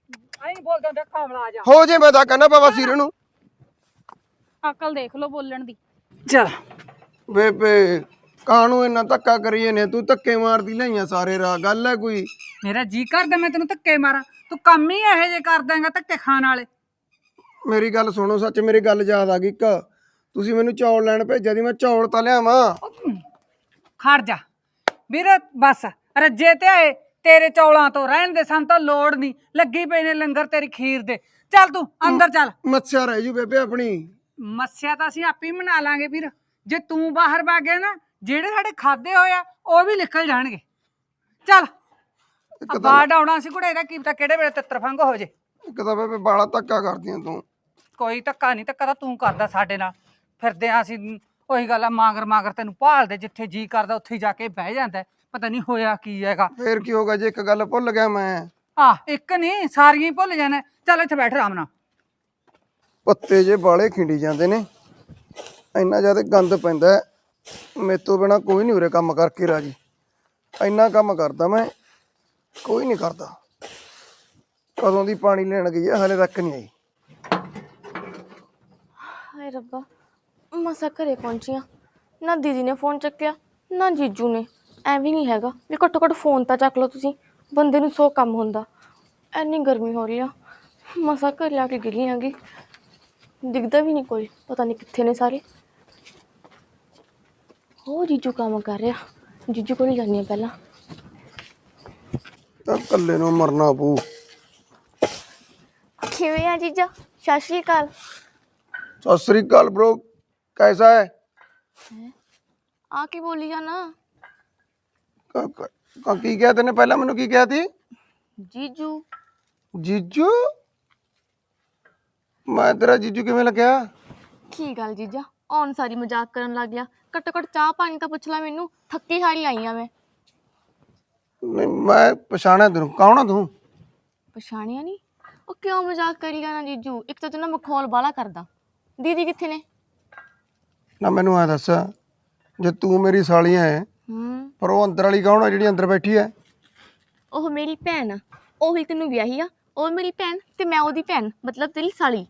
ਐਂ ਬੋਲਦਾ ਹੁੰਦਾ ਕਾਮਲਾ ਜਾ। ਹੋ ਜੇ ਮੈਂ ਤਾਂ ਕਹਿੰਦਾ ਬਾਬਾ ਸਿਰ ਨੂੰ। ਅਕਲ ਦੇਖ ਲਓ ਬੋਲਣ ਦੀ। ਚਲ ਬੇਬੇ ਕਾਹਨੂੰ ਇੰਨਾ ਧੱਕਾ ਕਰੀਏ ਨੇ, ਤੂੰ ਧੱਕੇ ਮਾਰਦੀ ਲਈਆਂ ਸਾਰੇ ਰਾਹ, ਗੱਲ ਹੈ ਕੋਈ? ਮੇਰਾ ਜੀ ਕਰਦਾ ਮੈਂ ਤੈਨੂੰ ਧੱਕੇ ਮਾਰਾਂ, ਤੂੰ ਕੰਮ ਹੀ ਇਹੋ ਜਿਹੇ ਕਰ ਦੇਂਗਾ ਧੱਕੇ ਖਾਣ ਵਾਲੇ। ਮੇਰੀ ਗੱਲ ਸੁਣੋ, ਸੱਚ ਮੇਰੀ ਗੱਲ ਯਾਦ ਆ ਗਈ ਇੱਕ, ਤੁਸੀਂ ਮੈਨੂੰ ਚੌਲ ਲੈਣ ਭੇਜਿਆ ਦੀ, ਮੈਂ ਚੌਲ ਤਾਂ ਲਿਆਵਾਂ। ਖੜ ਜਾ ਵੀਰ, ਬਸ ਰੱਜੇ ਤੇ ਆਏ ਤੇਰੇ ਚੌਲਾਂ ਤੋਂ, ਰਹਿਣ ਦੇ, ਸਾਨੂੰ ਤਾਂ ਲੋੜ ਨਹੀਂ, ਲੱਗੀ ਪਈ ਨੇ ਲੰਗਰ ਤੇਰੀ ਖੀਰ ਦੇ। ਚੱਲ ਤੂੰ ਅੰਦਰ ਚੱਲ। ਮੱਛਿਆ ਰਹਿ ਜੂ ਬੇਬੇ ਆਪਣੀ। ਮੱਸਿਆ ਤਾਂ ਅਸੀਂ ਆਪੇ ਹੀ ਮਨਾ ਲਾਂਗੇ ਵੀਰ, ਜੇ ਤੂੰ ਬਾਹਰ ਵਗ ਗਿਆ ਨਾ, ਜਿਹੜੇ ਸਾਡੇ ਖਾਦੇ ਹੋਏ ਆ ਉਹ ਵੀ ਨਿਕਲ ਜਾਣਗੇ। ਚੱਲ ਬਾਹਰ ਡਾਉਣਾ ਸੀ ਕੁੜੇ, ਇਹਦਾ ਕੀ ਪਤਾ ਕਿਹੜੇ ਵੇਲੇ ਤਿੱਤਰ ਫੰਗ ਹੋ ਜੇ। ਇੱਕ ਤਾਂ ਬੇਬੇ ਬਾਲਾ ਧੱਕਾ ਕਰਦੀਆਂ ਤੂੰ। ਕੋਈ ਧੱਕਾ ਨਹੀਂ, ਧੱਕਾ ਤਾਂ ਤੂੰ ਕਰਦਾ ਸਾਡੇ ਨਾਲ। ਫਿਰਦੇ ਆ ਅਸੀਂ, ਉਹੀ ਗੱਲ ਆ, ਮਾਂਗਰ ਮਾਂਗਰ ਤੈਨੂੰ ਭਾਲਦੇ, ਜਿੱਥੇ ਜੀ ਕਰਦਾ ਉੱਥੇ ਜਾ ਕੇ ਬਹਿ ਜਾਂਦਾ। ਪਤਾ ਨਹੀਂ ਹੋਇਆ ਕੀ ਹੈਗਾ। ਫੇਰ ਕੀ ਹੋਗਾ ਜੇ ਇੱਕ ਗੱਲ ਭੁੱਲ ਗਿਆ ਮੈਂ? ਆਹ ਇੱਕ ਨਹੀਂ, ਸਾਰੀਆਂ ਹੀ ਭੁੱਲ ਜਾਣਾ। ਚੱਲ ਇੱਥੇ ਬੈਠ ਆਰਾਮ ਨਾਲ। ਪੱਤੇ ਜੇ ਬਾਲੇ ਖਿੰਡੀ ਜਾਂਦੇ ਨੇ, ਇੰਨਾ ਜ਼ਿਆਦਾ ਗੰਦ ਪੈਂਦਾ, ਮੇਰੇ ਤੋਂ ਬਿਨਾ ਕੋਈ ਨਹੀਂ ਉਰੇ ਕੰਮ ਕਰਕੇ ਰਾਜੀ। ਇੰਨਾ ਕੰਮ ਕਰਦਾ ਮੈਂ, ਕੋਈ ਨਹੀਂ ਕਰਦਾ। ਕਦੋਂ ਦੀ ਪਾਣੀ ਲੈਣ ਗਈ ਹੈ, ਹਲੇ ਤੱਕ ਨਹੀਂ ਆਈ। ਹਾਏ ਰੱਬਾ, ਮਸਾਂ ਘਰੇ ਪਹੁੰਚੀਆਂ, ਨਾ ਦੀਦੀ ਨੇ ਫੋਨ ਚੱਕਿਆ ਨਾ ਜੀਜੂ ਨੇ। ਐਵੇਂ ਨਹੀਂ ਹੈਗਾ ਵੀ ਘੱਟੋ ਘੱਟ ਫੋਨ ਤਾਂ ਚੱਕ ਲਓ ਤੁਸੀਂ, ਬੰਦੇ ਨੂੰ ਸੌ ਕੰਮ ਹੁੰਦਾ। ਐਨੀ ਗਰਮੀ ਹੋ ਰਹੀ ਆ, ਮਸਾਂ ਘਰੇ ਆ ਕੇ ਗਿਰੀ ਆਂਗੀ, ਦਿਖਦਾ ਵੀ ਨਹੀਂ ਕੋਈ, ਪਤਾ ਨਹੀਂ ਕਿੱਥੇ ਨੇ ਸਾਰੇ। ਹੋ ਜੀਜੂ ਕੰਮ ਕਰ ਰਿਹਾ, ਜੀਜੂ ਕੋਲ ਜਾਂਦੀ ਹਾਂ ਪਹਿਲਾਂ। ਤਾਂ ਇਕੱਲੇ ਨੂੰ ਮਰਨਾ ਪਊ। ਕਿਵੇਂ ਆ ਜੀਜਾ? ਸਤਿ ਸ਼੍ਰੀ ਅਕਾਲ। ਸਤਿ ਸ੍ਰੀ ਅਕਾਲ ਬ్రో, कैसा है? ਆ ਕੀ ਬੋਲੀ ਜਾਣਾ? ਕ- ਕ- ਕ- ਕੀ ਕਿਹਾ ਤੈਨੇ ਪਹਿਲਾਂ? ਮੈਨੂੰ ਕੀ ਕਿਹਾ ਤੀ? ਜੀਜੂ। ਜੀਜੂ? ਮੈਂ ਤੇਰਾ ਜੀਜੂ ਕਿਵੇਂ ਲੱਗਿਆ? ਕੀ ਗੱਲ ਜੀਜਾ, ਆਉਣ ਸਾਰੀ ਮਜ਼ਾਕ ਕਰਨ ਲੱਗ ਗਿਆ? ਘੱਟੋ ਘੱਟ ਚਾਹ ਪਾਣੀ ਤਾਂ ਪੁੱਛ ਲੈ ਮੈਨੂੰ, ਥੱਕੀ ਹਾਰੀ ਆਈ ਆ ਮੈਂ। ਨਹੀਂ ਮੈਂ ਪਛਾਣਿਆ ਤੈਨੂੰ, ਕੌਣ ਆ ਤੂੰ? ਪਛਾਣਿਆ ਨਹੀਂ? ਉਹ ਕਿਉਂ ਮਜ਼ਾਕ ਕਰੀ ਜਾਣਾ ਜੀਜੂ? ਇੱਕ ਤਾਂ ਤੂੰ ਨਾ ਮਖੌਲ ਬਾਲਾ ਕਰਦਾ। ਦੀਦੀ ਕਿੱਥੇ ਨੇ? ਨਾ ਮੈਨੂੰ ਐ ਦੱਸ, ਜੇ ਤੂੰ ਮੇਰੀ ਸਾਲੀ ਹੈ, ਹੂੰ, ਪਰ ਉਹ ਅੰਦਰ ਵਾਲੀ ਕੌਣ ਆ ਜਿਹੜੀ ਅੰਦਰ ਬੈਠੀ ਹੈ? ਉਹ ਮੇਰੀ ਭੈਣ ਆ, ਉਹੀ ਤੈਨੂੰ ਵਿਆਹੀ ਆ। ਉਹ ਮੇਰੀ ਭੈਣ ਤੇ ਮੈਂ ਉਹਦੀ ਭੈਣ, ਮਤਲਬ ਤੇਰੀ ਸਾਲੀ।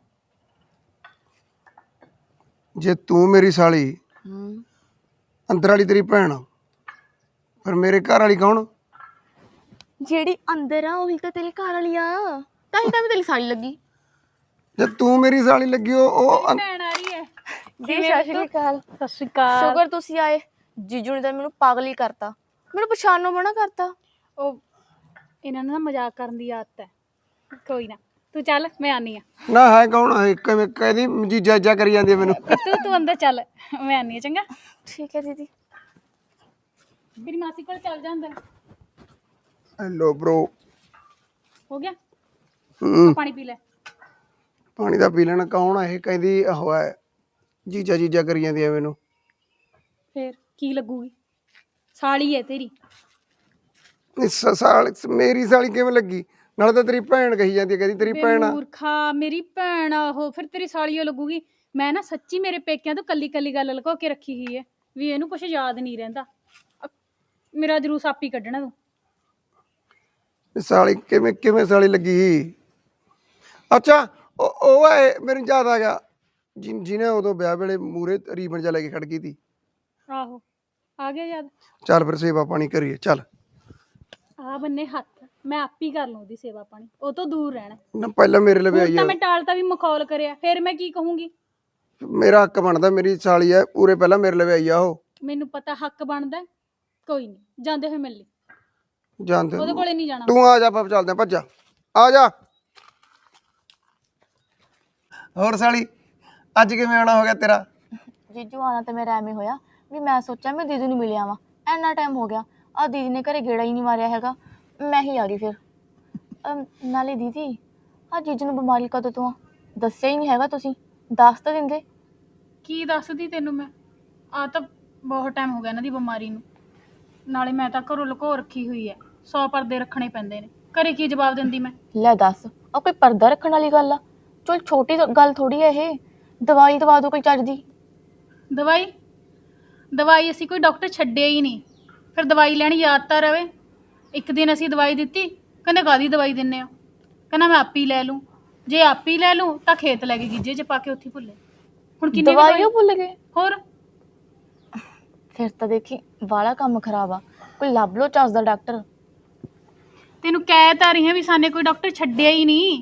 ਜੇ ਤੂੰ ਮੇਰੀ ਸਾਲੀ, ਹੂੰ, ਅੰਦਰ ਵਾਲੀ ਤੇਰੀ ਭੈਣ ਆ, ਪਰ ਮੇਰੇ ਘਰ ਵਾਲੀ ਕੌਣ? ਜਿਹੜੀ ਅੰਦਰ ਆ ਉਹੀ ਤਾਂ ਤੇਰੀ ਘਰ ਵਾਲੀ ਆ, ਤਾਂ ਹੀ ਤਾਂ ਮੈਂ ਤੇਰੀ ਸਾਲੀ ਲੱਗੀ। ਜੇ ਤੂੰ ਮੇਰੀ ਸਾਲੀ ਲੱਗੀ, ਉਹ ਉਹ ਅੰ- ਭੈਣ ਆ ਰਹੀ ਹੈ। ਜੀ ਸਤਿ ਸ਼੍ਰੀ ਅਕਾਲ। ਸਤਿ ਸ਼੍ਰੀ ਅਕਾਲ। ਸ਼ੁਕਰ ਤੁਸੀਂ ਆਏ, ਜੀਜੂ ਨੇ ਤਾਂ ਮੈਨੂੰ ਪਾਗਲ ਹੀ ਕਰਤਾ, ਮੈਨੂੰ ਪਛਾਣਨੋਂ ਮਨਾ ਕਰਤਾ। ਉਹ ਇਹਨਾਂ ਨੂੰ ਨਾ ਮਜ਼ਾਕ ਕਰਨ ਦੀ ਆਦਤ ਹੈ। ਕੋਈ ਨਾ, ਤੂੰ ਚੱਲ, ਮੈਂ ਆਨੀ ਆ। ਨਾ ਹੈ ਕੌਣ ਹੈ? ਕਿਵੇਂ ਕਹਿੰਦੀ ਜੀਜਾ ਜਾ ਕਰੀ ਜਾਂਦੀ ਹੈ ਮੈਨੂੰ। ਤੂੰ ਤੂੰ ਅੰਦਰ ਚੱਲ, ਮੈਂ ਆਨੀ ਆ। ਚੰਗਾ, ਠੀਕ ਹੈ ਦੀਦੀ। ਮੇਰੀ ਮਾਸੀ ਕੋਲ ਚੱਲ ਜਾ ਅੰਦਰ। Hello bro. ਹੋ ਗਿਆ? ਹੂੰ, ਪਾਣੀ ਪੀ ਲੈ। ਪਾਣੀ ਦਾ ਪੀ ਲੈਣਾ। ਕੌਣ ਆ ਇਹ? ਕਹਿੰਦੀ ਉਹ ਹੈ ਜੀਜਾ ਜੀਜਾ ਕਰੀ ਜਾਂਦੀ ਹੈ ਮੈਨੂੰ। ਫੇਰ ਕੀ ਲੱਗੂਗੀ? ਸਾਲੀ ਹੈ ਤੇਰੀ। ਇਸ ਸਾਲ ਮੇਰੀ ਸਾਲੀ ਕਿਵੇਂ ਲੱਗੀ? ਨਾਲੇ ਤਾਂ ਤੇਰੀ ਭੈਣ ਕਹੀ ਜਾਂਦੀ ਹੈ, ਕਹਿੰਦੀ ਤੇਰੀ ਭੈਣ ਆ। ਮੂਰਖਾ, ਮੇਰੀ ਭੈਣ ਆ ਉਹ, ਫਿਰ ਤੇਰੀ ਸਾਲੀ ਓ ਲੱਗੂਗੀ। ਮੈਂ ਨਾ ਸੱਚੀ ਮੇਰੇ ਪੇਕਿਆਂ ਤੋਂ ਕੱਲੀ ਕੱਲੀ ਗੱਲ ਲੁਕੋ ਕੇ ਰੱਖੀ ਹੋਈ ਹੈ ਵੀ ਇਹਨੂੰ ਕੁਝ ਯਾਦ ਨਹੀਂ ਰਹਿੰਦਾ। ਅ- ਮੇਰਾ ਜਲੂਸ ਆਪ ਹੀ ਕੱਢਣਾ ਤੂੰ। ਇਹ ਸਾਲੀ ਕਿਵੇਂ ਕਿਵੇਂ ਸਾਲੀ ਲੱਗੀ? ਅੱਛਾ ਉਹ ਉਹ ਹੈ, ਮੈਨੂੰ ਯਾਦ ਆ ਗਿਆ, ਜਿ ਜਿਹਨੇ ਉਦੋਂ ਵਿਆਹ ਵੇਲੇ ਮੂਰੇ ਰੀਬਨ ਜਾ ਲੈ ਕੇ ਖੜ ਗਈ ਤੀ। ਆਹੋ, ਆ ਗਿਆ ਯਾਦ। ਚੱਲ ਫਿਰ ਸੇਵਾ ਪਾਣੀ ਕਰੀਏ, ਚੱਲ। ਆ ਬੰਨੇ ਹੱਥ, ਮੈਂ ਆਪ ਹੀ ਕਰ ਲੂੰ ਉਹਦੀ ਸੇਵਾ ਪਾਣੀ, ਉਹ ਤੋਂ ਦੂਰ ਰਹਿਣਾ। ਨਾ ਪਹਿਲਾਂ ਮੇਰੇ ਲਈ ਹੁਣ ਆਈ ਤਾਂ ਆ। ਮੈਂ ਟਾਲਤਾ ਵੀ ਮਖੌਲ ਕਰਿਆ, ਫਿਰ ਮੈਂ ਕੀ ਕਹੂੰਗੀ? ਮੇਰਾ ਹੱਕ ਬਣਦਾ, ਮੇਰੀ ਸਾਲੀ ਹੈ, ਪੂਰੇ ਪਹਿਲਾਂ ਮੇਰੇ ਲਈ ਆਈ ਆ ਉਹ। ਮੈਨੂੰ ਪਤਾ ਹੱਕ ਬਣਦਾ। ਕੋਈ ਨਹੀਂ, ਜਾਂਦੇ ਹੋਏ ਮਿਲ ਲਈ, ਜਾਣਦੇ ਉਹਦੇ ਕੋਲੇ ਨਹੀਂ ਜਾਣਾ। ਤੂੰ ਆ ਜਾ, ਆਪਾਂ ਚੱਲਦੇ ਆ, ਭੱਜਾ ਆ ਜਾ। ਹੋਰ ਸਾਲੀ ਅੱਜ ਕਿਵੇਂ ਆਉਣਾ ਹੋ ਗਿਆ ਤੇਰਾ? ਜੀਜੂ ਆਣਾ ਤਾਂ ਮੇਰਾ ਐਵੇਂ ਹੋਇਆ ਵੀ ਮੈਂ ਸੋਚਿਆ ਮੈਂ ਦੀਦੀ ਨੂੰ ਮਿਲਿਆ ਵਾਂ, ਇੰਨਾ ਟਾਈਮ ਹੋ ਗਿਆ, ਆ ਦੀਦੀ ਨੇ ਘਰੇ ਗੇੜਾ ਹੀ ਨਹੀਂ ਮਾਰਿਆ ਹੈਗਾ, ਮੈਂ ਹੀ ਆ ਗਈ ਫਿਰ। ਅਮ, ਨਾਲੇ ਦੀਦੀ ਆ ਜੀਜੂ ਨੂੰ ਬਿਮਾਰੀ ਕਦੋਂ ਤੋਂ ਆ? ਦੱਸਿਆ ਹੀ ਨਹੀਂ ਹੈਗਾ ਤੁਸੀਂ, ਦੱਸ ਤਾਂ ਦਿੰਦੇ। ਕੀ ਦੱਸਦੀ ਤੈਨੂੰ ਮੈਂ? ਆ ਤਾਂ ਬਹੁਤ ਟਾਈਮ ਹੋ ਗਿਆ ਇਹਨਾਂ ਦੀ ਬਿਮਾਰੀ ਨੂੰ। ਨਾਲੇ ਮੈਂ ਤਾਂ ਘਰੋਂ ਲੁਕੋ ਰੱਖੀ ਹੋਈ ਹੈ, ਸੌ ਪਰਦੇ ਰੱਖਣੇ ਪੈਂਦੇ ਨੇ। ਘਰੇ ਕੀ ਜਵਾਬ ਦਿੰਦੀ ਮੈਂ? ਲੈ ਦੱਸ, ਆ ਕੋਈ ਪਰਦਾ ਰੱਖਣ ਵਾਲੀ ਗੱਲ ਆ? ਚਲ ਛੋਟੀ ਤਾਂ ਗੱਲ ਥੋੜੀ ਆ ਇਹ, ਦਵਾਈ ਦਵਾ ਦੋ ਕੋਈ ਚੱਜ ਦੀ। ਦਵਾਈ ਦਵਾਈ ਅਸੀਂ ਕੋਈ ਡਾਕਟਰ ਛੱਡਿਆ ਹੀ ਨਹੀਂ, ਫਿਰ ਦਵਾਈ ਲੈਣੀ ਯਾਦ ਤਾਂ ਰਵੇ। ਇੱਕ ਦਿਨ ਅਸੀਂ ਦਵਾਈ ਦਿੱਤੀ, ਕਹਿੰਦੇ ਕਾਹਦੀ ਦਵਾਈ ਦਿੰਨੇ ਆ। ਕਹਿੰਦਾ ਮੈਂ ਆਪੀ ਲੈ ਲੂੰ। ਜੇ ਆਪੀ ਲੈ ਲੂੰ ਤਾਂ ਖੇਤ ਲੈ ਕੇ ਗਿੱਜੇ 'ਚ ਪਾ ਕੇ ਉੱਥੇ ਭੁੱਲੇ। ਹੁਣ ਕਿੰਨੀ ਕੁ ਦਵਾਈਓ ਭੁੱਲ ਗਏ। ਹੋਰ ਫਿਰ ਤਾਂ ਦੇਖੀ ਵਾਲਾ ਕੰਮ ਖਰਾਬ ਆ, ਕੋਈ ਲੱਭ ਲੋ ਚੱਜ ਦਾ ਡਾਕਟਰ। ਤੈਨੂੰ ਕਹਿ ਤਾਂ ਰਹੀ ਹਾਂ ਵੀ ਸਾਨੇ ਕੋਈ ਡਾਕਟਰ ਛੱਡਿਆ ਹੀ ਨਹੀਂ।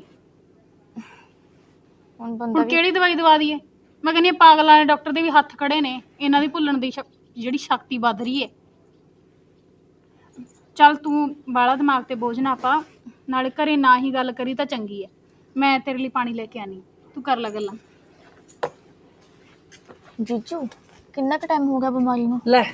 ਹੁਣ ਬੰਦਾ ਹੁਣ ਵੀ ਕਿਹੜੀ ਦਵਾਈ ਦਵਾ ਦਈਏ? ਮੈਂ ਕਹਿੰਦੀ ਹਾਂ ਪਾਗਲਾਂ ਵਾਲੇ ਡਾਕਟਰ ਦੇ ਵੀ ਹੱਥ ਖੜੇ ਨੇ, ਇਹਨਾਂ ਦੀ ਭੁੱਲਣ ਦੀ ਸ਼ਕ- ਜਿਹੜੀ ਸ਼ਕਤੀ ਵੱਧ ਰਹੀ ਹੈ। ਚੱਲ ਤੂੰ ਬਾਲਾ ਦਿਮਾਗ ਤੇ ਬੋਝ ਨਾ ਪਾ, ਨਾਲੇ ਘਰੇ ਨਾ ਹੀ ਗੱਲ ਕਰੀ ਤਾਂ ਚੰਗੀ ਹੈ। ਮੈਂ ਤੇਰੇ ਲਈ ਪਾਣੀ ਲੈ ਕੇ ਆਨੀ, ਤੂੰ ਕਰ ਲੈ ਗੱਲਾਂ। ਜੀਜੂ ਕਿੰਨਾ ਕੁ ਟਾਈਮ ਹੋ ਗਿਆ ਬਿਮਾਰੀ ਨੂੰ? ਲੈ